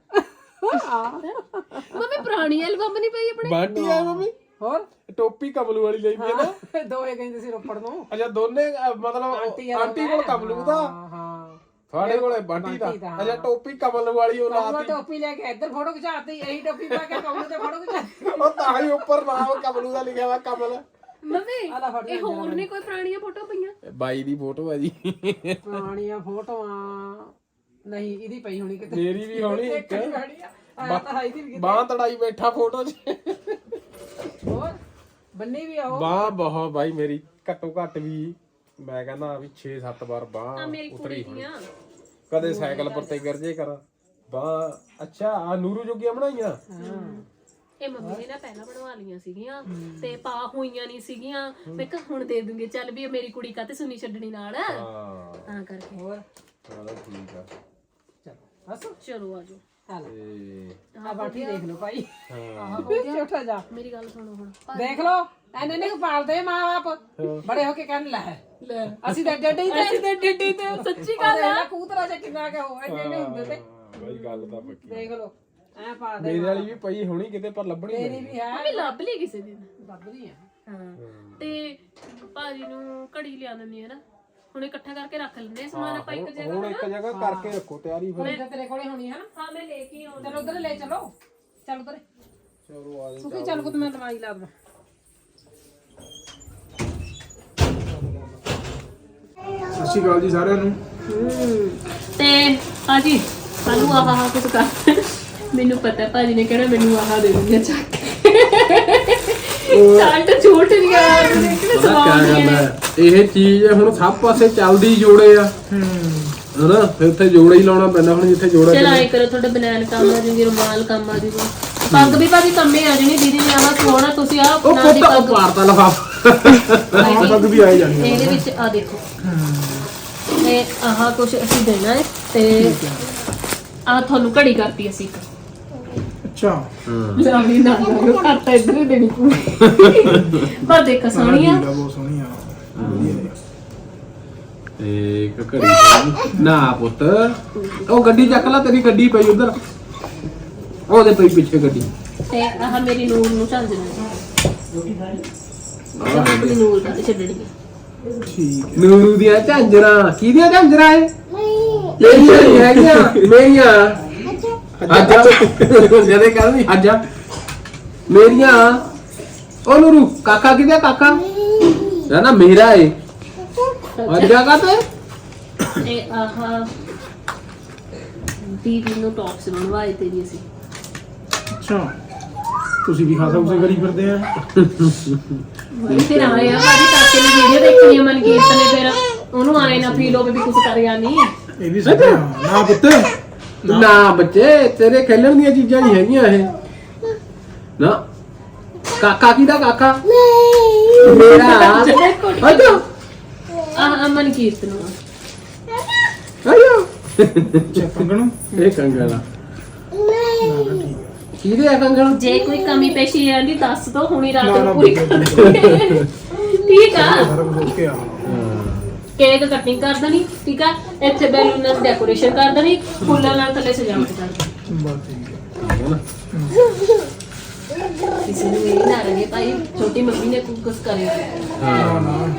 ਮੰਮੀ ਪੁਰਾਣੀ ਐਲਬਮ ਨਹੀਂ ਪਈ ਆਪਣੇ
ਬਾਂਟੀ ਆ ਮੰਮੀ
ਹੋਰ
ਟੋਪੀ ਕਮਲੂ ਵਾਲੀ ਲਈ ਵੀ ਨਾ
ਦੋਏ ਕਹਿੰਦੇ ਸੀ ਰੋਪੜ ਨੂੰ
ਅੱਛਾ ਦੋਨੇ ਮਤਲਬ ਆਂਟੀ ਕੋਲ ਕਮਲੂ ਦਾ
ਹਾਂ
ਤੁਹਾਡੇ ਕੋਲੇ ਬਾਂਟੀ ਦਾ ਅੱਛਾ ਟੋਪੀ ਕਮਲ ਵਾਲੀ ਉਹ
ਉਹ
ਲਾਤੀ
ਟੋਪੀ ਲੈ ਕੇ ਇੱਧਰ ਫੋਟੋ ਖਿਚਾਤੀ ਇਹੀ ਟੋਪੀ ਪਾ ਕੇ ਕਮਲ ਤੇ ਫੋਟੋ ਖਿਚਾਤੀ
ਉਹ ਤਾਂ ਹੀ ਉੱਪਰ ਨਾਮ ਕਮਲੂ ਦਾ ਲਿਖਿਆ ਵਾ ਕਮਲ
ਮੰਮੀ ਇਹ ਹੋਰ ਨਹੀਂ ਕੋਈ ਪੁਰਾਣੀਆਂ ਫੋਟੋ ਪਈਆਂ
ਬਾਈ ਦੀ ਫੋਟੋ ਹੈ ਜੀ
ਪੁਰਾਣੀਆਂ ਫੋਟੋਆਂ ਨਹੀਂ ਇਹਦੀ ਪਈ ਹੋਣੀ ਕਿਤੇ
ਮੇਰੀ ਵੀ ਹੋਣੀ ਇੱਕ
ਇੱਕ
ਬਾਹ ਤੜਾਈ ਬੈਠਾ ਫੋਟੋ 'ਚ
ਹੋਰ ਬੰਨੀ ਵੀ ਆਓ
ਬਾਹ ਬਹੁਤ ਬਾਈ ਮੇਰੀ ਘੱਟੋ ਘੱਟ ਵੀ ਮੈਂ ਕਹਿੰਦਾ ਵੀ 6-7 ਵਾਰ ਬਾਹ
ਮੇਰੀ
ਉਤਰੀ
ਕੁੜੀ ਦੀਆਂ
ਕਦੇ ਸਾਈਕਲ ਪਰ ਤੇ ਗਿਰ ਜੇ ਕਰ ਬਾਹ ਅੱਛਾ ਆ ਨੂਰੂ ਜੋਗੀਆਂ ਬਣਾਈਆਂ
ਇਹ ਮੰਮੀ ਨੇ ਨਾ ਪਹਿਲਾਂ ਬਣਵਾ ਲਈਆਂ ਸੀਗੀਆਂ ਤੇ ਪਾ ਹੋਈਆਂ ਨਹੀਂ ਸੀਗੀਆਂ ਮੈਂ ਕਿਹਾ ਹੁਣ ਦੇ ਦੂੰਗੇ ਚੱਲ ਵੀ ਮੇਰੀ ਕੁੜੀ ਕਾਤੇ ਸੁਣੀ ਛੱਡਣੀ ਨਾਲ
ਹਾਂ
ਤਾਂ ਕਰਕੇ
ਹੋਰ
ਚਲੋ ਠੀਕ ਆ
ਚਲੋ ਹੱਸੋ
ਚਲੋ ਆਜੋ
ਤੇ
ਆ ਬਾਟੀ ਦੇਖ ਲਓ ਭਾਈ
ਹਾਂ
ਛੋਟਾ ਜਾ
ਮੇਰੀ ਗੱਲ ਸੁਣੋ ਹੁਣ
ਦੇਖ ਲਓ ਇਹਨੇ ਨੂੰ ਪਾਲਦੇ ਮਾਂ-ਬਾਪ ਬੜੇ ਹੋ ਕੇ ਕਹਿਣ ਲੈ ਅਸੀਂ ਤਾਂ ਡੱਡੀ ਤੇ
ਅਸੀਂ ਤੇ ਡਿੱਡੀ ਤੇ ਸੱਚੀ ਗੱਲ ਆ
ਕੂਤਰਾ ਚ ਕਿੰਨਾ ਕੇ ਹੋ ਇੰਨੇ ਹੁੰਦੇ ਤੇ
ਬਾਈ ਗੱਲ ਤਾਂ ਪੱਕੀ
ਦੇਖ ਲਓ ਐ ਪਾ ਦੇ
ਮੇਰੇ ਵਾਲੀ ਵੀ ਪਈ ਹੋਣੀ ਕਿਤੇ ਪਰ ਲੱਭਣੀ
ਤੇਰੀ
ਨਹੀਂ
ਵੀ ਹੈ
ਮੰਮੀ ਲੱਭ ਲਈ ਕਿਸੇ ਦਿਨ
ਲੱਭਦੀ ਆ
ਹਾਂ ਤੇ ਭਾਜੀ ਨੂੰ ਘੜੀ ਲਿਆ ਦਿੰਦੀ ਹੈ ਨਾ ਹੁਣ ਇਕੱਠਾ ਕਰਕੇ ਰੱਖ ਲੈਂਦੇ ਆ ਸਮਾਨ ਆਪਾਂ ਇੱਕ ਜਗ੍ਹਾ
ਹੁਣ ਇੱਕ ਜਗ੍ਹਾ ਕਰਕੇ ਰੱਖੋ ਤਿਆਰੀ ਫਿਰ
ਤਾਂ ਤੇਰੇ ਕੋਲੇ ਹੋਣੀ ਹੈ ਨਾ
ਹਾਂ ਮੈਂ ਲੈ ਕੇ ਆਉਂਦਾ
ਚਲੋ ਉਧਰ ਲੈ ਚਲੋ ਚੱਲ ਉਧਰ
ਚਲੋ ਆ
ਸੁਖੀ ਚੱਲ ਕੋ ਮੈਂ ਦਵਾਈ ਲਾ ਦਵਾਂ
ਸਤਿ ਸ਼੍ਰੀ ਅਕਾਲ ਜੀ ਸਾਰਿਆਂ ਨੂੰ
ਤੇ ਭਾਜੀ ਸਾਨੂੰ ਆਹ ਕੁਝ ਕਰ ਮੈਨੂੰ ਪਤਾ ਭਾਜੀ ਨੇ ਕਹਿਣਾ ਮੈਨੂੰ ਆਹ ਦੇ ਦਿੰਦੇ ਚੱਕ ਸਾਲਟ ਝੂਠ ਨਹੀਂ ਆ ਕਿਹਨੇ
ਕਿਆ
ਸਵਾਲ
ਗੱਲ ਹੈ ਇਹ ਚੀਜ਼ ਹੁਣ ਸਭ ਪਾਸੇ ਚੱਲਦੀ ਜੋੜੇ ਆ ਹਨਾ ਫਿਰ ਉੱਥੇ ਜੋੜਾ ਹੀ ਲਾਉਣਾ ਪੈਂਦਾ ਹੁਣ ਜਿੱਥੇ ਜੋੜਾ
ਚਲ ਆਏ ਕਰੋ ਤੁਹਾਡਾ ਬਨਾਨ ਕੰਮ ਆ ਜੂਗੀ ਰੁਮਾਲ ਕੰਮ ਆ ਜੂਗਾ ਪੱਗ ਵੀ ਭਾਜੀ ਕੰਮੇ ਆ ਜਣੀ ਦੀਦੀ ਨੇ ਆਹ ਸੋਹਣਾ ਤੁਸੀਂ ਆਹ
ਉਹ
ਨਾਲ ਦੀ
ਪੁੱਤ
ਪੱਗ
ਪਾਰਤਾ ਲਫਾ
ਪੱਗ ਵੀ ਆਈ ਜਾਣੀ
ਇਹਦੇ ਵਿੱਚ ਆ ਦੇਖੋ ਤੇ ਆਹ ਕੁਝ ਅਸੀਂ ਦੇਣਾ ਹੈ ਤੇ ਆ ਤੁਹਾਨੂੰ ਘੜੀ ਕਰਤੀ ਅਸੀਂ ਇੱਕ
ਅੱਛਾ
ਲਾਵੀ ਨਾ ਲਾਓ ਕਰਤਾ ਇੱਧਰ ਹੀ ਦੇਣੀ ਪੂਰੀ ਪਰ ਦੇਖ ਸੋਹਣੀ ਆ
ਬਹੁਤ ਸੋਹਣੀ ਆ ਵਧੀਆ ਆ।
ਤੇ ਇੱਕ ਘੜੀ ਸੋਹਣੀ। ਨਾ ਪੁੱਤ ਉਹ ਗੱਡੀ ਚੱਕ ਲੈ, ਤੇਰੀ ਗੱਡੀ ਪਈ ਉਧਰ, ਉਹਦੇ ਪਈ ਪਿੱਛੇ ਗੱਡੀ।
ਤੇ ਆਹ ਮੇਰੀ ਨੂਰ ਨੂੰ ਚੱਲ ਜਣਾ ਆਪਣੀ ਨੂਰ ਦਾ ਛੱਡਣੀ
ਠੀਕ
ਨੂਰੂ ਦੀਆਂ ਝਾਂਜਰਾਂ, ਕਿਹਦੀਆਂ ਝਾਂਜਰਾਂ ਏ? ਮੇਰੀਆਂ ਨਹੀਂ ਹੈਗੀਆਂ, ਮੇਰੀਆਂ। ਅੱਜਾ ਜਦੇ ਕਹਿੰਦੀ ਅੱਜਾ ਮੇਰੀਆਂ। ਉਹ ਨੂਰੂ ਕਾਕਾ ਕਿਹਦਾ? ਕਾਕਾ ਨਾ ਮੇਰਾ ਏ। ਅੱਜਾ ਕਾਤੇ?
ਤੇ ਆਹ ਦੀਦੀ ਨੂੰ ਟੌਪਸ ਬਣਵਾਏ ਤੇਰੀ ਅਸੀਂ
ਅੱਛਾ ਤੁਸੀਂ ਵੀ ਖਾਸਾ ਉਸੇ ਕਰੀ ਫਿਰਦੇ ਆ
ਫਿਰ ਆਏ ਆ ਭਾਜੀ ਕਾਕੇ ਦੀ ਵੀਡੀਓ ਦੇਖਣੀ ਆ ਮਨਕੀਰਤ ਨੇ, ਫਿਰ ਉਹਨੂੰ ਆਏ ਨਾ ਫੀਲ ਹੋਵੇ ਵੀ ਕੁਝ ਕਰਿਆ ਨਹੀਂ।
ਇਹ ਵੀ ਸੱਚ ਆ। ਨਾ ਪੁੱਤ
ਨਾ ਬੱਚੇ ਤੇਰੇ ਖੇਲਣ ਦੀਆਂ ਚੀਜ਼ਾਂ ਨਹੀਂ ਹੈਗੀਆਂ ਇਹ। ਨਾ ਕਾਕਾ ਕਿਹਦਾ? ਕਾਕਾ ਮੇਰਾ। ਅੱਜਾ
ਆਹ ਮਨਕੀਰਤ ਨੂੰ
ਅੱਜਾ
ਅੱਛਾ ਕੰਗਣ
ਇਹ ਕੰਗਣਾ
ਨਾ ਠੀਕ
ਕਿਹਦੇ ਆ ਕੰਗਣ?
ਜੇ ਕੋਈ ਕਮੀ ਪੇਸ਼ੀ ਆਂਦੀ ਦੱਸ ਦੋ, ਹੁਣੀ ਰਾਤ
ਨਾ,
ਨੂੰ
ਨਾ,
ਪੂਰੀ ਕਰ ਦਾਂਗੇ। ਠੀਕ ਆ।
ਆ ਸਾਰਾ ਕੁਝ ਓਕੇ ਆ
ਕੇਕ ਕਟਿੰਗ ਕਰ ਦੇਣੀ, ਠੀਕ ਆ। ਇੱਥੇ ਬੈਲੂਨ ਨਾਲ ਡੈਕੋਰੇਸ਼ਨ ਕਰ ਦੇਣੀ, ਫੁੱਲਾਂ ਨਾਲ ਥੱਲੇ ਸਜਾਵਟ ਕਰ ਦੇਣੀ।
ਬਸ ਠੀਕ ਆ।
ਕਿਸੇ ਨੂੰ ਇਹ ਨਾ ਰਹੇ ਭਾਈ ਛੋਟੀ ਮੰਮੀ ਨੇ ਕੁਝ ਕਰਿਆ।
ਨਾ ਨਾ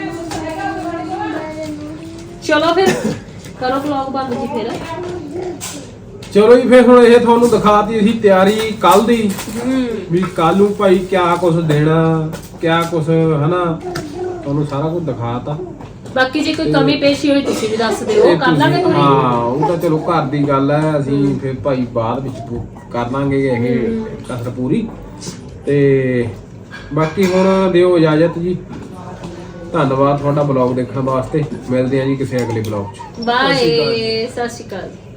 ਚਲੋ ਫਿਰ ਕਰੋ ਵਲੌਗ ਬੰਦ ਜੀ ਫਿਰ।
ਚਲੋ ਜੀ ਫਿਰ ਹੁਣ ਇਹ ਤੁਹਾਨੂੰ ਦਿਖਾਤੀ ਅਸੀਂ ਤਿਆਰੀ ਕੱਲ ਦੀ, ਵੀ ਕੱਲ ਨੂੰ ਭਾਈ ਕਿਆ ਕੁਝ ਦੇਣਾ, ਕਿਆ ਕੁਝ ਹਨਾ, ਤੁਹਾਨੂੰ ਸਾਰਾ ਕੁਝ ਦਿਖਾਤਾ।
ਬਾਕੀ ਜੇ ਕੋਈ ਕਮੀ ਪੇਸ਼ੀ ਹੋਈ ਤੁਸੀਂ ਵੀ ਦੱਸ ਦਿਓ,
ਇਹ
ਕਰ ਲਾਂਗੇ
ਤੁਸੀਂ-
ਕੋਈ।
ਹਾਂ ਉਹ ਤਾਂ ਚਲੋ ਘਰ ਦੀ ਗੱਲ ਹੈ, ਅਸੀਂ ਫਿਰ ਭਾਈ ਬਾਅਦ ਵਿੱਚ ਕਰ ਲਾਂਗੇ ਇਹ ਕਸਰ ਪੂਰੀ। ਤੇ ਬਾਕੀ ਹੁਣ ਦਿਓ ਇਜਾਜ਼ਤ ਜੀ, ਧੰਨਵਾਦ ਤੁਹਾਡਾ ਬਲੌਗ ਦੇਖਣ ਵਾਸਤੇ। ਮਿਲਦੇ ਹਾਂ ਜੀ ਕਿਸੇ ਅਗਲੇ ਬਲੌਗ 'ਚ।
ਬਾਏ, ਸਤਿ ਸ਼੍ਰੀ ਅਕਾਲ।